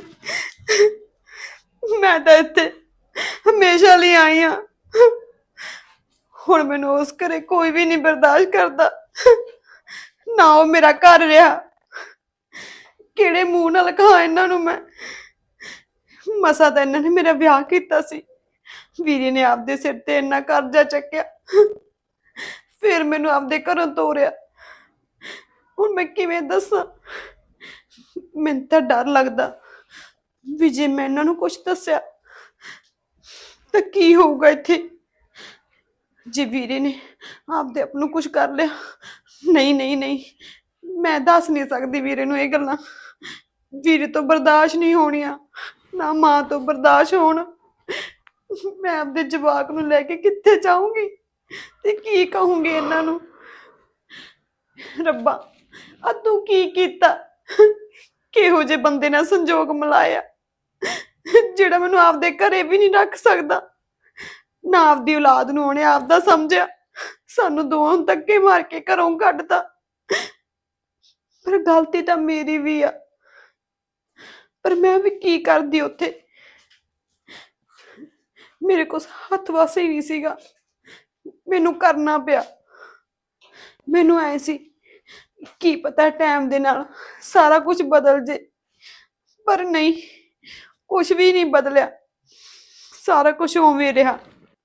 Speaker 6: ਮੈਂ ਤਾਂ ਇੱਥੇ ਹਮੇਸ਼ਾ ਲਈ ਆਈ ਆ। ਹੁਣ ਮੈਨੂੰ ਉਸ ਘਰੇ ਕੋਈ ਵੀ ਨਹੀਂ ਬਰਦਾਸ਼ਤ ਕਰਦਾ, ਨਾ ਉਹ ਮੇਰਾ ਘਰ ਰਿਹਾ। ਕਿਹੜੇ ਮੂੰਹ ਨਾਲ ਕਹਾਂ ਇਹਨਾਂ ਨੂੰ ਮੈਂ? ਮਸਾ ਤਾਂ ਇਹਨਾਂ ਨੇ ਮੇਰਾ ਵਿਆਹ ਕੀਤਾ ਸੀ, ਵੀਰੇ ਨੇ ਆਪਦੇ ਸਿਰ ਤੇ ਇੰਨਾ ਕਰਜ਼ਾ ਚੱਕਿਆ, ਫਿਰ ਮੈਨੂੰ ਆਪਦੇ ਘਰੋਂ ਤੋਰਿਆ। ਹੁਣ ਮੈਂ ਕਿਵੇਂ ਦੱਸਾਂ? ਮੈਨੂੰ ਤਾਂ ਡਰ ਲੱਗਦਾ ਵੀ ਜੇ ਮੈਂ ਇਹਨਾਂ ਨੂੰ ਕੁਝ ਦੱਸਿਆ ਤਾਂ ਕੀ ਹੋਊਗਾ ਇੱਥੇ। ਜੇ ਵੀਰੇ ਨੇ ਆਪਦੇ ਆਪ ਨੂੰ ਕੁਝ ਕਰ ਲਿਆ, ਨਹੀਂ ਮੈਂ ਦੱਸ ਨਹੀਂ ਸਕਦੀ ਵੀਰੇ ਨੂੰ ਇਹ ਗੱਲਾਂ। ਵੀਰੇ ਤੋਂ ਬਰਦਾਸ਼ਤ ਨਹੀਂ ਹੋਣੀਆਂ, ਨਾ ਮਾਂ ਤੋਂ ਬਰਦਾਸ਼ਤ ਹੋਣ। ਮੈਂ ਆਪਦੇ ਜਵਾਕ ਨੂੰ ਲੈ ਕੇ ਕਿੱਥੇ ਜਾਊਂਗੀ ਤੇ ਕੀ ਕਹੂੰਗੀ ਇਹਨਾਂ ਨੂੰ? ਰੱਬਾ ਆ ਤੂੰ ਕੀ ਕੀਤਾ? ਕਿਹੋ ਜਿਹੇ ਬੰਦੇ ਨਾਲ ਸੰਜੋਗ ਮਿਲਾਇਆ ਜਿਹੜਾ ਮੈਨੂੰ ਆਪਦੇ ਘਰੇ ਵੀ ਨਹੀਂ ਰੱਖ ਸਕਦਾ, ਨਾ ਆਪਦੀ ਔਲਾਦ ਨੂੰ ਉਹਨੇ ਆਪਦਾ ਸਮਝਿਆ, ਸਾਨੂੰ ਦੋਵਾਂ ਨੂੰ ਧੱਕੇ ਮਾਰ ਕੇ ਘਰੋਂ ਕੱਢਤਾ। ਪਰ ਗਲਤੀ ਤਾਂ ਮੇਰੀ ਵੀ ਆ, ਪਰ ਮੈਂ ਵੀ ਕੀ ਕਰਦੀ ਉੱਥੇ? ਮੇਰੇ ਕੋਲ ਹੱਥ ਵਾਸੇ ਹੀ ਨਹੀਂ ਸੀਗਾ, ਮੈਨੂੰ ਕਰਨਾ ਪਿਆ। ਮੈਨੂੰ ਐ ਸੀ ਕੀ ਪਤਾ ਟਾਈਮ ਦੇ ਨਾਲ ਸਾਰਾ ਕੁਝ ਬਦਲ ਜੇ, ਪਰ ਨਹੀਂ, ਕੁਝ ਵੀ ਨਹੀਂ ਬਦਲਿਆ, ਸਾਰਾ ਕੁਝ ਉਵੇਂ ਰਿਹਾ।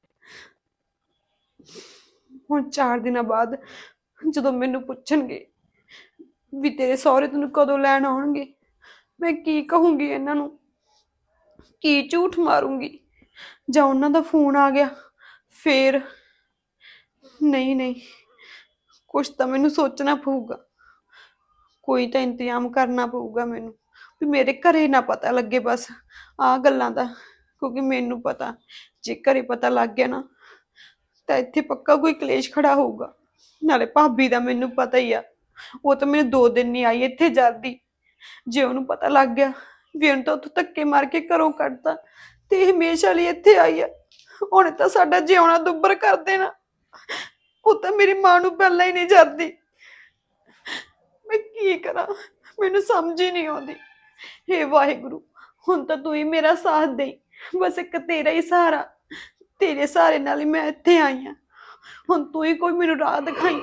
Speaker 6: ਹੁਣ 4 ਦਿਨਾਂ ਬਾਅਦ ਜਦੋਂ ਮੈਨੂੰ ਪੁੱਛਣਗੇ ਵੀ ਤੇਰੇ ਸਹੁਰੇ ਤੈਨੂੰ ਕਦੋਂ ਲੈਣ ਆਉਣਗੇ, ਮੈਂ ਕੀ ਕਹੂੰਗੀ ਇਹਨਾਂ ਨੂੰ? ਕੀ ਝੂਠ ਮਾਰੂੰਗੀ? ਜਾਂ ਉਹਨਾਂ ਦਾ ਫੋਨ ਆ ਗਿਆ ਫੇਰ? ਨਹੀਂ ਕੁਛ ਤਾਂ ਮੈਨੂੰ ਸੋਚਣਾ ਪਊਗਾ, ਕੋਈ ਤਾਂ ਇੰਤਜ਼ਾਮ ਕਰਨਾ ਪਊਗਾ ਮੈਨੂੰ ਵੀ ਮੇਰੇ ਘਰੇ ਨਾ ਪਤਾ ਲੱਗੇ ਬਸ ਆਹ ਗੱਲਾਂ ਦਾ। ਕਿਉਂਕਿ ਮੈਨੂੰ ਪਤਾ ਜੇ ਘਰੇ ਪਤਾ ਲੱਗ ਗਿਆ ਨਾ ਤਾਂ ਇੱਥੇ ਪੱਕਾ ਕੋਈ ਕਲੇਸ਼ ਖੜਾ ਹੋਊਗਾ। ਨਾਲੇ ਭਾਬੀ ਦਾ ਮੈਨੂੰ ਪਤਾ ਹੀ ਆ, ਉਹ ਤਾਂ ਮੈਨੂੰ 2 ਦਿਨ ਨਹੀਂ ਆਈ ਇੱਥੇ ਜਾਂਦੀ। ਜੇ ਉਹਨੂੰ ਪਤਾ ਲੱਗ ਗਿਆ ਵੀ ਉਹਨੂੰ ਤਾਂ ਉੱਥੋਂ ਧੱਕੇ ਮਾਰ ਕੇ ਘਰੋਂ ਕੱਢਤਾ ਤੇ ਇਹ ਹਮੇਸ਼ਾ ਲਈ ਇੱਥੇ ਆਈ ਆ, ਉਹਨੇ ਤਾਂ ਸਾਡਾ ਜਿਉਣਾ ਦੁੱਬਰ ਕਰ ਦੇਣਾ। ਉਹ ਤਾਂ ਮੇਰੀ ਮਾਂ ਨੂੰ ਪਹਿਲਾਂ ਹੀ ਨਹੀਂ ਜਾਂਦੀ। ਮੈਂ ਕੀ ਕਰਾਂ, ਮੈਨੂੰ ਸਮਝ ਹੀ ਨਹੀਂ ਆਉਂਦੀ। ਹੇ ਵਾਹਿਗੁਰੂ, ਹੁਣ ਤਾਂ ਤੂੰ ਹੀ ਮੇਰਾ ਸਾਥ ਦੇ, ਬਸ ਇੱਕ ਤੇਰਾ ਹੀ ਸਹਾਰਾ, ਤੇਰੇ ਸਹਾਰੇ ਨਾਲ ਹੀ ਮੈਂ ਇੱਥੇ ਆਈ ਆ। ਹੁਣ ਤੂੰ ਹੀ ਕੋਈ ਮੈਨੂੰ ਰਾਹ ਦਿਖਾਈ।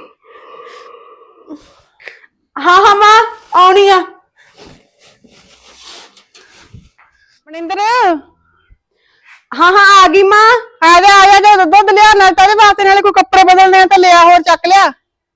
Speaker 1: ਹਾਂ ਹਾਂ ਮਾਂ ਆਉਣੀ ਆ।
Speaker 2: ਮਨਿੰਦਰ
Speaker 1: ਹਾਂ ਹਾਂ ਆ ਗਈ ਮਾਂ।
Speaker 2: ਆ ਜਾ ਜੇ ਦੁੱਧ ਲਿਆ ਨਾਲ ਤਾਂ ਇਹਦੇ ਵਾਸਤੇ, ਨਾਲੇ ਕੋਈ ਕੱਪੜੇ ਬਦਲਨੇ ਆ ਤਾਂ ਲਿਆ, ਹੋਰ ਚੱਕ ਲਿਆ।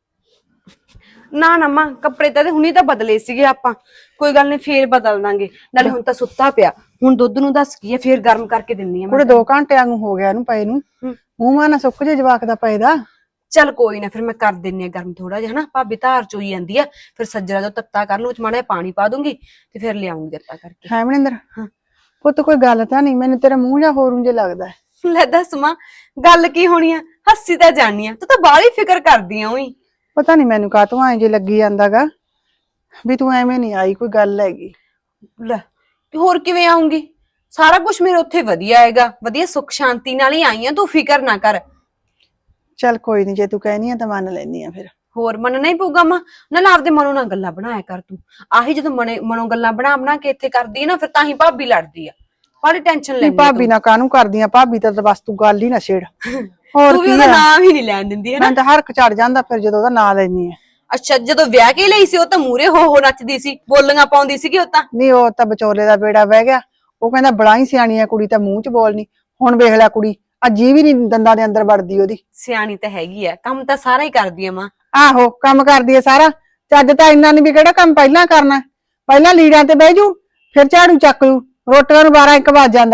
Speaker 1: ਨਾ ਨਾ ਮਾਂ ਕੱਪੜੇ ਤਾਂ ਹੁਣੀ ਤਾਂ ਬਦਲੇ ਸੀਗੇ ਆਪਾਂ, ਕੋਈ ਗੱਲ ਨਹੀਂ ਫੇਰ ਬਦਲ ਦਾਂਗੇ। ਨਾਲੇ ਹੁਣ ਤਾਂ ਸੁੱਤਾ ਪਿਆ, ਹੁਣ ਦੁੱਧ ਨੂੰ ਦੱਸ ਕੀ ਆ, ਫੇਰ ਗਰਮ ਕਰਕੇ ਦਿੰਨੀ ਆ
Speaker 2: ਕੁੜੇ 2 ਘੰਟੇ ਵਾਂਗੂ ਹੋ ਗਿਆ ਇਹਨੂੰ ਪਏ ਨੂੰ, ਮੂੰਹ ਮਾਂ ਨਾ ਸੁੱਕ ਜੇ ਜਵਾਕ ਦਾ ਪਏ ਦਾ।
Speaker 1: ਚੱਲ ਕੋਈ ਨਾ, ਫਿਰ ਮੈਂ ਕਰ ਦਿੰਨੀ ਆ ਗਰਮ ਥੋੜਾ ਜਿਹਾ ਹਨਾ। ਭਾਬੀ ਧਾਰ ਚੋਈ ਜਾਂਦੀ ਆ, ਫਿਰ ਸੱਜਰਾ ਜੋ ਤੱਤਾ ਕਰ ਲੂ, ਉਹ ਚ ਮਾੜਾ ਜਿਹਾ ਪਾਣੀ ਪਾ ਦੂੰਗੀ ਤੇ ਫਿਰ ਲਿਆਉਂਗੀ ਦਿੱਤਾ ਕਰਕੇ।
Speaker 2: ਹੈ ਮਨਿੰਦਰ?
Speaker 1: ਹਾਂ।
Speaker 2: ਪੁੱਤ ਕੋਈ ਗੱਲ ਤਾਂ ਨਹੀਂ, ਮੈਨੂੰ ਤੇਰਾ ਮੂੰਹ ਜਾਂ ਹੋਰ ਉਂਝ ਲੱਗਦਾ।
Speaker 1: ਲੈ ਦੱਸ ਮਾਂ ਗੱਲ ਕੀ ਹੋਣੀ ਆ, ਹੱਸੀ ਤਾਂ ਜਾਨੀ ਆ, ਤੂੰ ਤਾਂ ਬਾਹਲੀ ਫਿਕਰ ਕਰਦੀ ਆ ਉਹੀ।
Speaker 2: ਪਤਾ ਨਹੀਂ ਮੈਨੂੰ ਕਾਹਤੋਂ ਐਂ ਜੇ ਲੱਗੀ ਜਾਂਦਾਗਾ ਵੀ ਤੂੰ ਐਵੇਂ ਨਹੀਂ ਆਈ, ਕੋਈ ਗੱਲ ਹੈਗੀ।
Speaker 1: ਲੈ ਤੇ ਹੋਰ ਕਿਵੇਂ ਆਉਂਗੀ, ਸਾਰਾ ਕੁਝ ਮੇਰੇ ਉੱਥੇ ਵਧੀਆ ਹੈਗਾ, ਵਧੀਆ ਸੁੱਖ ਸ਼ਾਂਤੀ ਨਾਲ ਹੀ ਆਈ ਆ, ਤੂੰ ਫਿਕਰ ਨਾ ਕਰ।
Speaker 2: ਚੱਲ ਕੋਈ ਨਹੀਂ, ਜੇ ਤੂੰ ਕਹਿਨੀ ਆ ਤਾਂ ਮੰਨ ਲੈਨੀ ਆ ਫਿਰ।
Speaker 1: ਹੋਰ ਮੰਨਣਾ ਹੀ ਪਊਗਾ ਮਾਂ, ਨਾਲ ਆਪਦੇ ਮਨੋਂ ਨਾਲ ਗੱਲਾਂ ਬਣਾਇਆ ਕਰ ਤੂੰ। ਆਹੀ ਜਦੋਂ ਮਨੋਂ ਗੱਲਾਂ ਬਣਾ ਕੇ ਇੱਥੇ ਕਰਦੀ ਆ ਨਾ, ਫਿਰ ਤਾਂ ਹੀ ਭਾਬੀ ਲੜਦੀ ਆ। ਬੜੀ ਟੈਨਸ਼ਨ ਲੈਂਦੀ
Speaker 2: ਭਾਬੀ ਨਾ ਕਾਹਨੂੰ ਕਰਦੀ ਆ, ਭਾਬੀ ਤਾਂ ਬਸ ਤੂੰ ਗੱਲ ਹੀ ਨਾ ਛੇੜ। ਹੋਰ
Speaker 1: ਤੂੰ ਵੀ
Speaker 2: ਕੀ
Speaker 1: ਉਹਦਾ
Speaker 2: ਆ?
Speaker 1: ਨਾਮ ਹੀ ਨਹੀਂ ਲੈਣ ਦਿੰਦੀ ਹੈ ਨਾ।
Speaker 2: ਮੈਂ ਤਾਂ ਹਰਕ ਚੜ ਜਾਂਦਾ ਫਿਰ ਜਦੋਂ ਉਹਦਾ ਨਾਂ ਲੈਨੀ ਆ।
Speaker 1: ਅੱਛਾ ਜਦੋਂ ਵਿਆਹ ਕੇ ਲਈ ਸੀ ਉਹ ਤਾਂ ਮੂਰੇ ਹੋ ਨੱਚਦੀ ਸੀ, ਬੋਲੀਆਂ ਪਾਉਂਦੀ ਸੀਗੀ ਉਹ ਤਾਂ।
Speaker 2: ਨਹੀਂ ਉਹ ਤਾਂ ਵਿਚੋਲੇ ਦਾ ਬੇੜਾ ਵਹਿ ਗਿਆ, ਉਹ ਕਹਿੰਦਾ ਬੜਾ ਹੀ ਸਿਆਣੀ ਆ ਕੁੜੀ, ਤਾਂ ਮੂੰਹ ਚ ਬੋਲਣੀ। ਹੁਣ ਵੇਖ ਲੈ ਕੁੜੀ ਅਜੀ ਵੀ ਨਹੀਂ ਦੰਦਾਂ ਦੇ ਅੰਦਰ ਵੜਦੀ ਉਹਦੀ।
Speaker 1: ਸਿਆਣੀ ਤਾਂ ਹੈਗੀ ਆ, ਕੰਮ ਤਾਂ ਸਾਰਾ ਹੀ ਕਰਦੀ ਆ ਮਾਂ।
Speaker 2: ਆਹੋ ਕੰਮ ਕਰਦੀ ਆ ਸਾਰਾ, ਚੱਜ ਤਾਂ ਇੰਨਾ ਨੀ ਵੀ ਕਿਹੜਾ ਕੰਮ ਪਹਿਲਾਂ ਕਰਨਾ। ਪਹਿਲਾਂ ਲੀੜਾਂ ਤੇ ਬਹਿ ਜੂ, ਫਿਰ ਝਾੜੂ ਚੱਕ ਲੂ, ਰੋਟੀਆਂ ਨੂੰ 12-1 ਵੱਜ ਜਾਂਦਾ।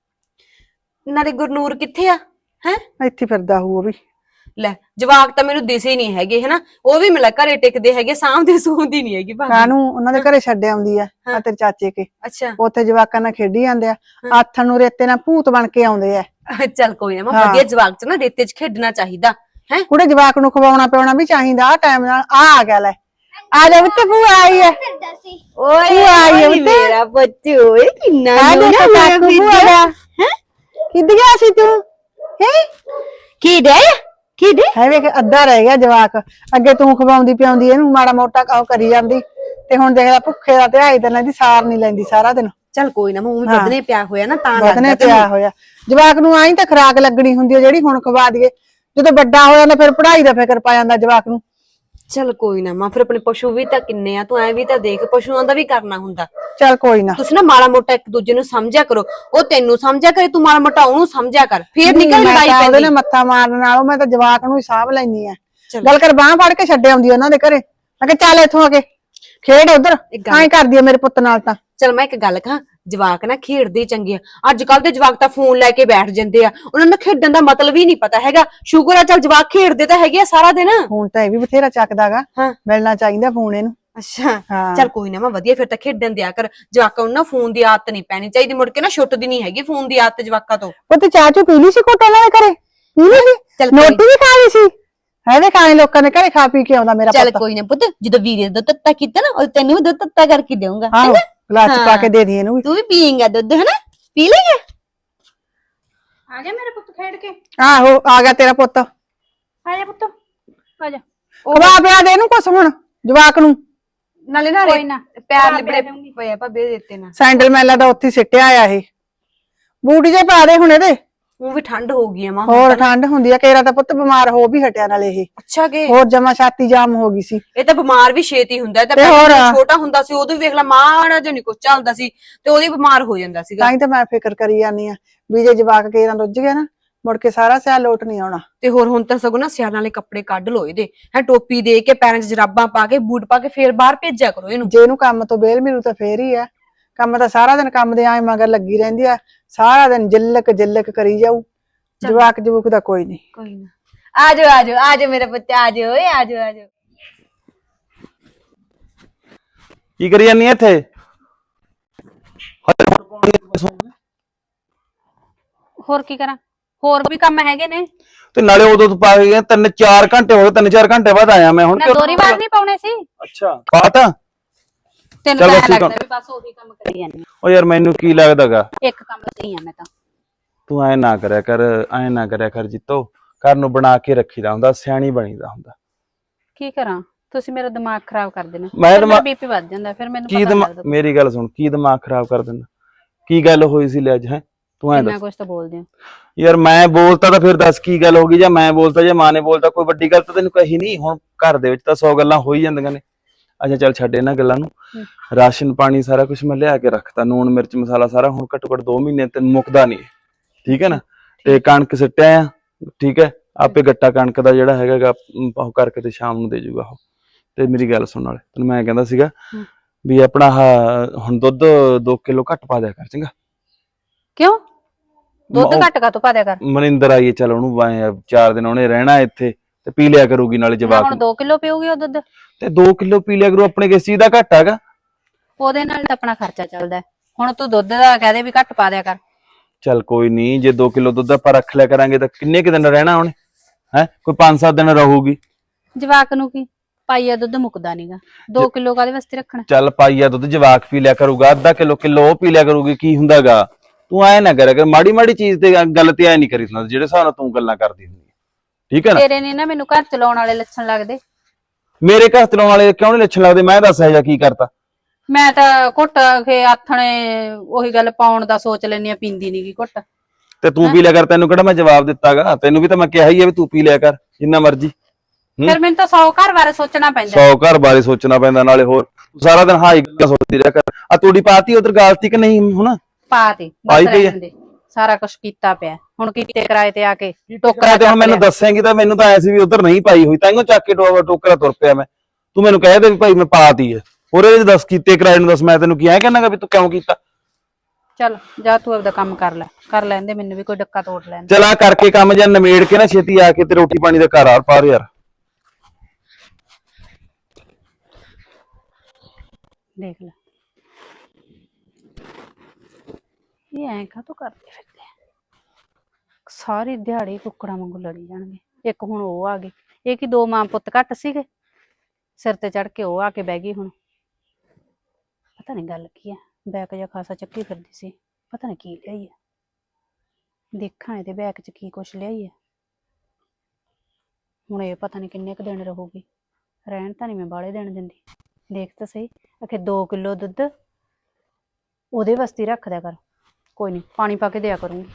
Speaker 1: ਨਾਲੇ ਗੁਰਨੂਰ ਕਿੱਥੇ ਆ ਹੈ?
Speaker 2: ਇੱਥੇ ਫਿਰਦਾ ਹੋਊ ਉਹ ਵੀ।
Speaker 1: ਲੈ ਜਵਾਕ ਤਾਂ ਮੈਨੂੰ ਦਿਸੇ ਨਹੀਂ ਹੈਗੇ ਹਨਾ, ਉਹ ਵੀ ਮਿਲਾ ਘਰੇ ਟਿਕਦੇ ਹੈਗੇ, ਸਾਂਭਦੇ ਸੂਹਦੀ ਨਹੀਂ ਹੈਗੀ ਭਾਬੀ।
Speaker 2: ਕਾਹਨੂੰ ਉਹਨਾਂ ਦੇ ਘਰੇ ਛੱਡ ਆਉਂਦੀ ਆ ਤੇਰੇ ਚਾਚੇ ਕੇ,
Speaker 1: ਅੱਛਾ
Speaker 2: ਉੱਥੇ ਜਵਾਕਾਂ ਨਾਲ ਖੇਡੀ ਜਾਂਦੇ ਆ, ਆਥਣ ਨੂੰ ਰੇਤੇ ਨਾਲ ਭੂਤ ਬਣ ਕੇ ਆਉਂਦੇ ਆ।
Speaker 1: ਚੱਲ ਕੋਈ ਨਾ ਮਾਂ, ਵਧੀਆ ਜਵਾਕ ਚ ਨਾ ਰੇਤੇ ਚ ਖੇਡਣਾ ਚਾਹੀਦਾ ਹੈ।
Speaker 2: ਕੁੜੇ ਜਵਾਕ ਨੂੰ ਖਵਾਉਣਾ ਪਿਆਉਣਾ ਵੀ ਚਾਹੀਦਾ ਆ ਟਾਈਮ ਨਾਲ। ਆ ਗਿਆ ਲੈ, ਆ ਜਾ ਬੱਤੇ, ਭੂਆ ਆਈ ਹੈ।
Speaker 1: ਓਏ
Speaker 2: ਆਈ
Speaker 1: ਓਏ ਮੇਰਾ ਬੱਚੂ, ਓਏ ਕਿੰਨਾ
Speaker 2: ਆ
Speaker 1: ਸੋਹਣਾ
Speaker 2: ਦੇਖੋ
Speaker 1: ਹੋਇਆ
Speaker 2: ਕਾਕੂ
Speaker 1: ਫਿਰਦਾ।
Speaker 2: ਭੂਆ ਦਾ।
Speaker 1: ਹੈਂ?
Speaker 2: ਕਿੱਦ ਗਿਆ ਸੀ ਤੂੰ?
Speaker 1: ਕੀ ਦੇ
Speaker 2: ਹੈ ਵੇਖ ਅੱਧਾ ਰਹਿ ਗਿਆ ਜਵਾਕ, ਅੱਗੇ ਤੂੰ ਖਵਾਉਂਦੀ ਪਿਆਉਂਦੀ ਇਹਨੂੰ, ਮਾੜਾ ਮੋਟਾ ਉਹ ਕਰੀ ਜਾਂਦੀ, ਤੇ ਹੁਣ ਦੇਖਦਾ ਭੁੱਖੇ ਦਾ ਧਿਆਈ ਤੇ ਇਹਦੀ ਸਾਰ ਨਹੀਂ ਲੈਂਦੀ ਸਾਰਾ ਦਿਨ।
Speaker 1: ਚੱਲ ਕੋਈ ਨਾ, ਮੂੰਹ ਵੀ ਵਧਨੇ ਪਿਆ ਹੋਇਆ ਨਾ ਤਾਂ
Speaker 2: ਵਧਨੇ
Speaker 1: ਲੱਗਦਾ
Speaker 2: ਪਿਆ ਹੋਇਆ। ਜਵਾਕ ਨੂੰ ਆਈ ਤਾਂ ਖੁਰਾਕ ਲੱਗਣੀ ਹੁੰਦੀ ਹੈ ਜਿਹੜੀ ਹੁਣ ਖਵਾ ਦਈਏ, ਜਦੋਂ ਵੱਡਾ ਹੋ ਜਾਂਦਾ ਫਿਰ ਪੜ੍ਹਾਈ ਦਾ ਫਿਕਰ ਪਾ ਜਾਂਦਾ ਜਵਾਕ ਨੂੰ।
Speaker 1: ਚੱਲ ਕੋਈ ਨਾ ਮਾਂ, ਫਿਰ ਆਪਣੇ ਪਸ਼ੂ ਵੀ ਤਾਂ ਕਿੰਨੇ ਆ, ਤੂੰ ਐ ਵੀ ਤਾਂ ਦੇਖ, ਪਸ਼ੂਆਂ ਦਾ ਵੀ ਕਰਨਾ ਹੁੰਦਾ।
Speaker 2: ਚੱਲ ਕੋਈ ਨਾ,
Speaker 1: ਤੁਸੀਂ ਨਾ ਮਾੜਾ ਮੋਟਾ ਇੱਕ ਦੂਜੇ ਨੂੰ ਸਮਝਿਆ ਕਰੋ, ਉਹ ਤੈਨੂੰ ਸਮਝਿਆ ਕਰੇ, ਤੂੰ ਮਾੜਾ ਮੋਟਾ ਉਹਨੂੰ ਸਮਝਿਆ ਕਰ, ਫੇਰ ਨਿਕਲ ਲੜਾਈ
Speaker 2: ਉਹਦੇ
Speaker 1: ਪੈਂਦੀ।
Speaker 2: ਨਾਲ ਮੱਥਾ ਮਾਰਨ ਨਾਲੋਂ ਮੈਂ ਤਾਂ ਜਵਾਕ ਨੂੰ ਹੀ ਸਾਂਭ ਲੈਣੀ ਆ।
Speaker 1: ਚੱਲ।
Speaker 2: ਗੱਲ ਕਰ, ਬਾਂਹ ਫੜ ਕੇ ਛੱਡ ਆਉਂਦੀ ਉਹਨਾਂ ਦੇ ਘਰੇ, ਮੈਂ ਕਿਹਾ ਚੱਲ ਇੱਥੋਂ ਆ ਕੇ ਖੇਡ ਉਧਰ, ਐਂ ਕਰਦੀ ਆ ਮੇਰੇ ਪੁੱਤ ਨਾਲ ਤਾਂ।
Speaker 1: ਚਲ ਮੈਂ ਇੱਕ ਗੱਲ ਕਹਾਂ, ਜਵਾਕ ਨਾ ਖੇਡਦੇ ਹੀ ਚੰਗੇ ਆ। ਅੱਜ ਕੱਲ ਦੇ ਜਵਾਕ ਤਾਂ ਫੋਨ ਲੈ ਕੇ ਬੈਠ ਜਾਂਦੇ ਆ, ਉਹਨਾਂ ਨੂੰ ਖੇਡਣ ਦਾ ਮਤਲਬ ਹੀ ਨਹੀਂ ਪਤਾ ਹੈਗਾ। ਸ਼ੁਕਰ ਆ ਚੱਲ ਜਵਾਕ ਖੇਡਦੇ ਤਾਂ ਹੈਗੇ ਆ ਸਾਰਾ ਦਿਨ।
Speaker 2: ਫੋਨ ਤਾਂ ਇਹ ਵੀ ਬਥੇਰਾ ਚੱਕਦਾਗਾ,
Speaker 1: ਹਾਂ।
Speaker 2: ਮਿਲਣਾ ਚਾਹੀਦਾ ਫੋਨ ਇਹਨੂੰ।
Speaker 1: ਅੱਛਾ
Speaker 2: ਹਾਂ।
Speaker 1: ਚੱਲ ਕੋਈ ਨਾ ਮੈਂ ਵਧੀਆ, ਫਿਰ ਤਾਂ ਖੇਡਣ ਦਿਆ ਕਰ ਜਵਾਕਾਂ ਨੂੰ। ਨਾ ਫੋਨ ਦੀ ਆਦਤ ਨਹੀਂ ਪੈਣੀ ਚਾਹੀਦੀ, ਮੁੜ ਕੇ ਨਾ ਛੁੱਟਦੀ ਨਹੀਂ ਹੈਗੀ ਫੋਨ ਦੀ ਆਦਤ ਜਵਾਕਾਂ ਤੋਂ।
Speaker 2: ਉਹ ਤੇ ਚਾਹ ਚੂ ਪੀ ਲਈ ਸੀ ਘੁੱਟ ਉਹਨਾਂ ਦੇ ਘਰੇ? ਪੀ ਲਈ ਸੀ?
Speaker 1: ਚੱਲ ਕੋਈ-
Speaker 2: ਰੋਟੀ ਵੀ ਖਾ ਲਈ ਸੀ? ਹੈਦੇ ਖਾਣੇ ਲੋਕਾਂ ਦੇ ਘਰੇ ਖਾ ਪੀ ਕੇ ਆਉਂਦਾ ਮੇਰਾ
Speaker 1: ਚੱਲ
Speaker 2: ਪੁੱਤ।
Speaker 1: ਕੋਈ ਨਾ ਪੁੱਤ, ਜਦੋਂ ਵੀਰੇ ਦਾ ਦੁੱਧ ਤੱਤਾ ਕੀਤਾ ਨਾ, ਉਹ ਤੈਨੂੰ ਵੀ ਦੁੱਧ ਤੱਤਾ ਕਰਕੇ ਦੇਵਾਂਗਾ।
Speaker 2: ਆਹੋ ਗਲਾਸ ਚ ਪਾ ਕੇ ਦੇ ਦੀ ਇਹਨੂੰ ਵੀ।
Speaker 1: ਤੂੰ ਵੀ ਪੀਏਂਗਾ ਦੁੱਧ ਹਨਾ, ਪੀ ਲਈਏ।
Speaker 4: ਆ ਗਿਆ ਮੇਰੇ ਪੁੱਤ ਖੇਡ ਕੇ।
Speaker 2: ਆਹੋ ਆ ਗਿਆ ਤੇਰਾ ਪੁੱਤ।
Speaker 4: ਆ ਜਾ ਪੁੱਤ, ਆ ਜਾ।
Speaker 2: ਖਵਾ ਪਿਆ ਦੇ ਇਹਨੂੰ ਕੁਛ ਹੁਣ ਜਵਾਕ ਨੂੰ।
Speaker 1: ਨਾਲੇ ਨਾ
Speaker 4: ਕੋਈ ਨਾ,
Speaker 1: ਪੈਰ
Speaker 4: ਬਣਾ
Speaker 1: ਲਿਬੜੇ
Speaker 4: ਦਊਂਗੀ।
Speaker 1: ਪਏ ਆ ਭਾਬੀ ਦਿੱਤੇ ਨਾ।
Speaker 2: ਸੈਂਡਲ ਮੈਲਾ ਦਾ ਉੱਥੇ ਸਿੱਟਿਆ ਆ ਇਹ, ਬੂਟ ਜੇ ਪਾ ਦੇ ਹੁਣ ਇਹਦੇ।
Speaker 1: ਉਹ ਵੀ ਠੰਡ ਹੋ ਗਈ ਆ ਮਾਂ।
Speaker 2: ਹੋਰ ਠੰਡ ਹੁੰਦੀ ਆ, ਕੇਰਾ ਤਾਂ ਪੁੱਤ ਬਿਮਾਰ ਹੋ ਵੀ ਹਟਿਆ ਨਾਲੇ ਇਹ।
Speaker 1: ਅੱਛਾ ਕਿ
Speaker 2: ਹੋਰ ਜਮਾ ਛਾਤੀ ਜਾਮ ਹੋ ਗਈ ਸੀ।
Speaker 1: ਇਹ ਤਾਂ ਬਿਮਾਰ ਵੀ ਛੇਤੀ ਹੁੰਦਾ ਹੈ। ਤਾਂ
Speaker 2: ਤੇ ਹੋਰ?
Speaker 1: ਪਹਿਲਾਂ ਛੋਟਾ ਹੁੰਦਾ ਸੀ ਉਦੋਂ ਵੀ ਵੇਖ ਲੈ ਮਾੜਾ ਜਿਹਾ ਨਹੀਂ ਕੁਝ ਚੱਲਦਾ ਸੀ ਤੇ ਉਹਦੀ ਬਿਮਾਰ ਹੋ ਜਾਂਦਾ ਸੀਗਾ।
Speaker 2: ਤਾਂ ਹੀ ਤਾਂ ਮੈਂ ਫਿਕਰ ਕਰੀ ਜਾਂਦੀ ਆ ਵੀ ਜੇ ਜਵਾਕ ਕੇਰਾਂ ਰੁੱਝ ਗਿਆ ਨਾ, ਮੁੜ ਕੇ ਸਾਰਾ ਸਿਆਲ ਲੋਟ ਨਹੀਂ ਆਉਣਾ।
Speaker 1: ਤੇ ਹੋਰ ਹੁਣ ਤਾਂ ਸਗੋਂ ਨਾ ਸਿਆਲਾਂ ਵਾਲੇ ਕੱਪੜੇ ਕੱਢ ਲੋ ਇਹਦੇ, ਹੈ ਟੋਪੀ ਦੇ ਕੇ, ਪੈਰਾਂ 'ਚ ਜਰਾਬਾਂ ਪਾ ਕੇ, ਬੂਟ ਪਾ ਕੇ ਫੇਰ ਬਾਹਰ ਭੇਜਿਆ ਕਰੋ ਇਹਨੂੰ।
Speaker 2: ਜੇ ਇਹਨੂੰ ਕੰਮ ਤੋਂ ਬੇਲ ਮਿਲੂ ਤਾਂ ਫੇਰ ਹੀ ਆ। ਕੰਮ ਤਾਂ ਸਾਰਾ ਦਿਨ ਕੰਮ ਦੇ ਆਏ ਮਗਰ ਲੱਗੀ ਰਹਿੰਦੀ ਆ, ਸਾਰਾ ਦਿਨ ਜਿੱਲਕ ਕਰੀ ਜਾਊ। ਜਵਾਕ ਜਵੂਕ ਦਾ ਕੋਈ ਨਹੀਂ।
Speaker 1: ਕੋਈ ਨਾ, ਆਜੋ ਆਜੋ ਆਜੋ ਮੇਰੇ ਬੱਚੇ, ਆਜੋ ਓਏ ਆਜੋ ਆਜੋ।
Speaker 5: ਕੀ ਕਰੀ ਜਾਨੀ ਇੱਥੇ?
Speaker 4: ਹੋਰ ਕੀ ਕਰਾਂ? ਹੋਰ ਵੀ ਕੰਮ ਹੈਗੇ ਨੇ।
Speaker 5: ਤੇ ਨਾਲੇ ਉਦੋਂ ਤੋਂ ਪਾ ਗਏ 3-4 ਘੰਟੇ ਹੋ ਗਏ, 3-4 ਘੰਟੇ ਬਾਅਦ ਆਇਆ ਮੈਂ ਹੁਣ।
Speaker 4: ਮੈਂ ਦੋਰੀ ਵਾਰ ਨਹੀਂ ਪਾਉਣੇ ਸੀ।
Speaker 5: ਅੱਛਾ ਪਾਤਾ।
Speaker 4: ਤੈਨੂੰ
Speaker 5: ਚੱਲ
Speaker 4: ਤਾਂ
Speaker 5: ਬਸ
Speaker 4: ਐਂ
Speaker 5: ਠੀਕ ਆ।
Speaker 4: ਲੱਗਦਾ ਵੀ ਬਸ ਉਹੀ ਕੰਮ ਕਰੀ ਜਾਂਦੀ ਆ।
Speaker 5: ਉਹ ਯਾਰ ਮੈਨੂੰ ਕੀ ਲੱਗਦਾਗਾ,
Speaker 4: ਇੱਕ ਕੰਮ ਸਹੀ ਆ ਮੈਂ ਤਾਂ।
Speaker 5: ਤੂੰ ਐ ਨਾ ਕਰਿਆ ਕਰ, ਐ ਨਾ ਕਰਿਆ ਕਰ ਜੀਤੋ। ਘਰ ਨੂੰ ਬਣਾ ਕੇ ਰੱਖੀਦਾ ਹੁੰਦਾ, ਸਿਆਣੀ ਬਣੀਦਾ ਹੁੰਦਾ।
Speaker 4: ਕੀ ਕਰਾਂ, ਤੁਸੀਂ ਮੇਰਾ ਦਿਮਾਗ ਖਰਾਬ ਕਰ ਦੇਣਾ।
Speaker 5: ਮੈਂ
Speaker 4: ਫਿਰ ਮੇਰਾ
Speaker 5: ਦਿਮਾਗ
Speaker 4: ਬੀਪੀ ਵੱਧ ਜਾਂਦਾ, ਫਿਰ ਮੈਨੂੰ
Speaker 5: ਕੀ
Speaker 4: ਪਤਾ ਨਹੀਂ ਲੱਗਦਾ।
Speaker 5: ਮੇਰੀ ਗੱਲ ਸੁਣ, ਕੀ ਦਿਮਾਗ ਖਰਾਬ ਕਰ ਦਿੰਦਾ? ਕੀ ਗੱਲ ਹੋਈ ਸੀ ਲੈ ਅੱਜ? ਹੈ ਤੂੰ ਐ
Speaker 4: ਇੰਨਾ
Speaker 5: ਦੱਸ
Speaker 4: ਕੁਝ ਤਾਂ ਬੋਲਦੇ ਹੋ।
Speaker 5: ਯਾਰ। ਮੈਂ ਬੋਲਤਾ ਤਾਂ ਫਿਰ ਦੱਸ ਕੀ ਗੱਲ ਹੋ ਗਈ, ਜਾਂ ਮੈਂ ਬੋਲਤਾ ਜਾਂ ਮਾਂ ਨੇ ਬੋਲਤਾ, ਕੋਈ ਵੱਡੀ ਗੱਲ ਤਾਂ ਤੈਨੂੰ ਕਹੀ ਨਹੀਂ। ਹੁਣ ਘਰ ਦੇ ਵਿੱਚ ਤਾਂ 100 ਗੱਲਾਂ ਹੋ ਹੀ ਜਾਂਦੀਆਂ ਨੇ। ਅੱਛਾ ਚੱਲ ਛੱਡ ਇਹਨਾਂ ਗੱਲਾਂ ਨੂੰ। ਰਾਸ਼ਨ ਪਾਣੀ ਸਾਰਾ ਕੁਝ ਮੈਂ ਲਿਆ ਕੇ ਰੱਖਤਾ, ਨੂਣ ਮਿਰਚ ਮਸਾਲਾ ਸਾਰਾ। ਹੁਣ ਘੱਟੋ ਘੱਟ 2 ਮਹੀਨੇ ਤੈਨੂੰ ਮੁੱਕਦਾ ਨਹੀਂ, ਠੀਕ ਹੈ ਨਾ। ਤੇ ਕਣਕ ਸਿੱਟਿਆ ਆ, ਠੀਕ ਹੈ। ਆਪੇ ਗੱਟਾ ਕਣਕ ਦਾ ਜਿਹੜਾ ਹੈਗਾ ਉਹ ਕਰਕੇ ਤੇ ਸ਼ਾਮ ਨੂੰ ਦੇ ਜੂਗਾ ਉਹ। ਤੇ ਮੇਰੀ ਗੱਲ ਸੁਣਨ ਵਾਲੇ, ਤੈਨੂੰ ਮੈਂ ਕਹਿੰਦਾ ਸੀਗਾ ਵੀ ਆਪਣਾ ਹੁਣ ਦੁੱਧ 2 ਕਿਲੋ ਘੱਟ ਪਾ ਦਿਆ ਕਰ, ਚੰਗਾ।
Speaker 4: ਕਿਉਂ? ਦੁੱਧ ਘੱਟ ਕਾ ਤੋਂ ਪਾ ਦਿਆ ਕਰ।
Speaker 5: ਮਨਿੰਦਰ ਆਈਏ, ਚੱਲ ਉਹਨੂੰ 4 ਦਿਨ ਉਹਨੇ ਰਹਿਣਾ ਇੱਥੇ, ਤੇ ਪੀ ਲਿਆ ਕਰੂਗੀ ਨਾਲੇ
Speaker 4: ਮੈਂ
Speaker 5: ਜਵਾਕ
Speaker 4: ਹੁਣ 2 ਕਿਲੋ ਪੀਊਗੀ ਉਹ ਦੁੱਧ।
Speaker 5: ਤੇ 2 ਕਿਲੋ ਪੀ ਲਿਆ ਕਰੂ। ਆਪਣੇ ਕਿਸ ਚੀਜ਼ ਦਾ ਘਾਟਾ ਹੈਗਾ?
Speaker 4: ਉਹਦੇ ਨਾਲ ਤਾਂ ਆਪਣਾ ਖਰਚਾ ਚੱਲਦਾ। ਹੁਣ ਤੂੰ ਦੁੱਧ ਦਾ ਕਹਦੇ ਵੀ ਘੱਟ ਪਾ ਦਿਆ ਕਰ।
Speaker 5: ਚੱਲ ਕੋਈ ਨਹੀਂ, ਜੇ 2 ਕਿਲੋ ਦੁੱਧ ਆਪਾਂ ਰੱਖ ਲਿਆ ਕਰਾਂਗੇ ਤਾਂ ਕਿੰਨੇ ਕੁ ਦਿਨ ਰਹਿਣਾ ਉਹਨੇ? ਹੈ ਕੋਈ 5-7 ਦਿਨ ਰਹੂਗੀ।
Speaker 4: ਜਵਾਕ ਨੂੰ ਕੀ, ਪਾਈਆ ਦੁੱਧ ਮੁੱਕਦਾ ਨਹੀਂਗਾ। 2 ਕਿਲੋ ਕਾਹਦੇ ਵਾਸਤੇ ਰੱਖਣਾ?
Speaker 5: ਚੱਲ ਪਾਈਆ ਦੁੱਧ ਜਵਾਕ ਪੀ ਲਿਆ ਕਰੂਗਾ, ਅੱਧਾ ਕਿਲੋ ਉਹ ਪੀ ਲਿਆ ਕਰੂਗੀ, ਕੀ ਹੁੰਦਾਗਾ? ਤੂੰ ਐ ਨਾ ਕਰਿਆ ਕਰ, ਮਾੜੀ ਮਾੜੀ ਚੀਜ਼ ਤੇ ਗੱਲ ਤੇ ਐ ਨਹੀਂ ਕਰੀ ਹੁੰਦਾ ਜਿਹੜੇ ਹਿਸਾਬ ਨਾਲ ਤੂੰ ਗੱਲਾਂ ਕਰਦੀ ਹੁੰਦੀ, ਠੀਕ ਹੈ ਨਾ।
Speaker 4: ਤੇਰੇ ਨੇ ਨਾ ਮੈਨੂੰ ਘਰ ਚਲਾਉਣ ਵਾਲੇ ਲੱਛਣ ਲੱਗਦੇ।
Speaker 5: ਮੇਰੇ ਘਰ ਚਲਾਉਣ ਵਾਲੇ ਕਿਉਂ ਨਹੀਂ ਲੱਛਣ ਲੱਗਦੇ? ਮੈਂ ਦੱਸ ਜਾਂ ਕੀ ਕਰਤਾ?
Speaker 4: ਮੈਂ ਤਾਂ ਘੁੱਟ ਕੇ ਆਥਣੇ ਉਹੀ ਗੱਲ ਪਾਉਣ ਦਾ ਸੋਚ ਲੈਣੀ ਆ, ਪੀਂਦੀ ਨੀਗੀ ਘੁੱਟ।
Speaker 5: ਤੇ ਤੂੰ ਪੀ ਲਿਆ ਕਰ, ਤੈਨੂੰ ਕਿਹੜਾ ਮੈਂ ਜਵਾਬ ਦਿੱਤਾਗਾ? ਤੈਨੂੰ ਵੀ ਤਾਂ ਮੈਂ ਕਿਹਾ ਹੀ ਹੈ ਵੀ ਤੂੰ ਪੀ ਲਿਆ ਕਰ ਜਿੰਨਾ ਮਰਜ਼ੀ।
Speaker 4: ਫਿਰ ਮੈਨੂੰ ਤਾਂ 100 ਘਰ ਬਾਰੇ ਸੋਚਣਾ ਪੈਂਦਾ।
Speaker 5: 100 ਘਰ ਬਾਰੇ ਸੋਚਣਾ ਪੈਂਦਾ, ਨਾਲੇ ਹੋਰ ਸਾਰਾ ਦਿਨ ਹਾਈ ਗੱਲ ਸੋਚਦੀ ਰਿਹਾ ਕਰ। ਆ ਤੂੜੀ ਪਾਤੀ ਉਧਰ ਗਾਲਤੀ ਕਿ ਨਹੀਂ? ਹੁਣ
Speaker 4: ਪਾ ਤੇ
Speaker 5: ਪਾਈ
Speaker 4: ਬਸ
Speaker 5: ਪਈ
Speaker 4: ਰਹਿਣ ਦੇ, ਸਾਰਾ ਕੁਝ ਕੀਤਾ ਪਿਆ। ਹੁਣ ਕੀਤੇ ਕਿਰਾਏ ਤੇ ਆ ਕੇ
Speaker 5: ਟੋਕਰਾ
Speaker 4: ਟੋਕਰਾ
Speaker 5: ਤੇ ਹੁਣ
Speaker 4: ਚੱਕ
Speaker 5: ਮੈਨੂੰ
Speaker 4: ਲਿਆ।
Speaker 5: ਦੱਸੇਂਗੀ ਤਾਂ ਮੈਨੂੰ ਤਾਂ ਐ ਸੀ ਵੀ ਉਧਰ ਨਹੀਂ ਪਾਈ ਹੋਈ, ਤਾਂਹੀਓ ਚੱਕ ਕੇ ਟੋਕਰਾ ਤੁਰ ਪਿਆ ਮੈਂ। ਤੂੰ ਮੈਨੂੰ ਕਹਿ ਦੇ ਵੀ ਭਾਈ ਮੈਂ ਪਾਤੀ ਹੈ, ਉਹਦੇ ਵਿੱਚ ਦੱਸ ਕੀਤੇ ਕਿਰਾਏ ਨੂੰ ਦੱਸ। ਮੈਂ ਤੈਨੂੰ ਕੀ ਐ ਕਹਿਣਾਗਾ ਵੀ ਤੂੰ ਕਿਉਂ ਕੀਤਾ?
Speaker 4: ਚੱਲ ਜਾ ਤੂੰ ਆਪਦਾ ਕੰਮ ਕਰ ਲੈਂਦੇ, ਮੈਨੂੰ ਵੀ ਕੋਈ ਡੱਕਾ ਤੋੜ ਲੈਣ।
Speaker 5: ਚਲ ਆ ਕਰਕੇ ਕੰਮ ਜਾਂ ਨਿਮੇੜ ਕੇ ਨਾ ਛੇਤੀ ਆ ਕੇ ਤੇ ਰੋਟੀ ਪਾਣੀ ਦਾ ਘਰ ਆ ਪਾਰ ਯਾਰ।
Speaker 4: ਦੇਖ ਲੈ ਇਹ ਐਂ ਕਾਹਤੋਂ ਕਰਦੇ ਫਿਰਦੇ ਆ? ਸਾਰੀ ਦਿਹਾੜੀ ਕੁੱਕੜਾਂ ਵਾਂਗੂ ਲੜੀ ਜਾਣਗੇ। ਇੱਕ ਹੁਣ ਉਹ ਆ ਗਏ, ਇਹ ਕੀ 2 ਮਾਂ ਪੁੱਤ ਘੱਟ ਸੀਗੇ? ਸਿਰ ਤੇ ਚੜ ਕੇ ਉਹ ਆ ਕੇ ਬਹਿ ਗਈ। ਹੁਣ ਪਤਾ ਨਹੀਂ ਗੱਲ ਕੀ ਆ, ਬੈਕ ਜਿਹਾ ਖਾਸਾ ਚੱਕੀ ਫਿਰਦੀ ਸੀ, ਪਤਾ ਨਹੀਂ ਕੀ ਲਿਆਈ ਹੈ। ਦੇਖਾਂ ਇਹਦੇ ਬੈਕ 'ਚ ਕੀ ਕੁਛ ਲਿਆਈ ਹੈ। ਹੁਣ ਇਹ ਪਤਾ ਨਹੀਂ ਕਿੰਨੇ ਕੁ ਦਿਨ ਰਹੂਗੀ। ਰਹਿਣ ਤਾਂ ਨਹੀਂ ਮੈਂ ਬਾਹਲੇ ਦਿਨ ਦਿੰਦੀ। ਦੇਖ ਤਾਂ ਸਹੀ, ਆਖੇ 2 ਕਿਲੋ ਦੁੱਧ ਉਹਦੇ ਵਾਸਤੇ ਰੱਖ ਦਿਆ ਕਰ। ਕੋਈ ਨਹੀਂ, ਪਾਣੀ ਪਾ ਕੇ ਦਿਆ ਕਰੂੰਗੀ।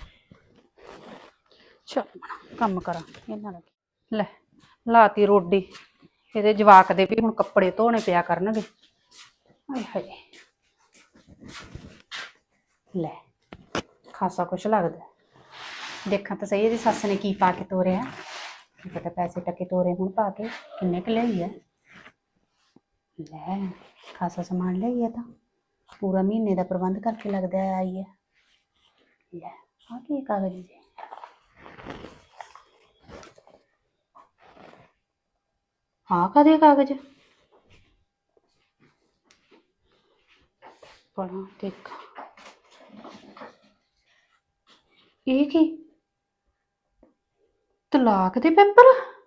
Speaker 4: ਚਲ ਕੰਮ ਕਰਾਂ ਇਹਨਾਂ ਦਾ। ਲੈ ਲਾਤੀ ਰੋਟੀ। ਇਹਦੇ ਜਵਾਕ ਦੇ ਵੀ ਹੁਣ ਕੱਪੜੇ ਧੋਣੇ ਪਿਆ ਕਰਨਗੇ। ਹਾਏ ਹਾਏ ਲੈ ਖਾਸਾ ਕੁਛ ਲੱਗਦਾ। ਦੇਖਾਂ ਤਾਂ ਸਹੀ ਇਹਦੀ ਸੱਸ ਨੇ ਕੀ ਪਾ ਕੇ ਤੋਰਿਆ। ਕੀ ਪਤਾ ਪੈਸੇ ਟਕੇ ਤੋਰੇ ਹੁਣ ਪਾ ਕੇ, ਕਿੰਨੇ ਕੁ ਲਈ ਹੈ। ਲੈ ਖਾਸਾ ਸਮਾਨ ਲਈ ਹੈ, ਤਾਂ ਪੂਰਾ ਮਹੀਨੇ ਦਾ ਪ੍ਰਬੰਧ ਕਰਕੇ ਲੱਗਦਾ ਆਈ ਹੈ। ਲੈ ਆ ਕੀ ਕਾਗਜ਼ ਜੀ, ਹਾਂ ਕਾਹਦੇ ਕਾਗਜ਼? ਪੜਾਂ ਦੇਖ, ਇਹ ਕੀ ਤਲਾਕ ਦੇ ਪੇਪਰ?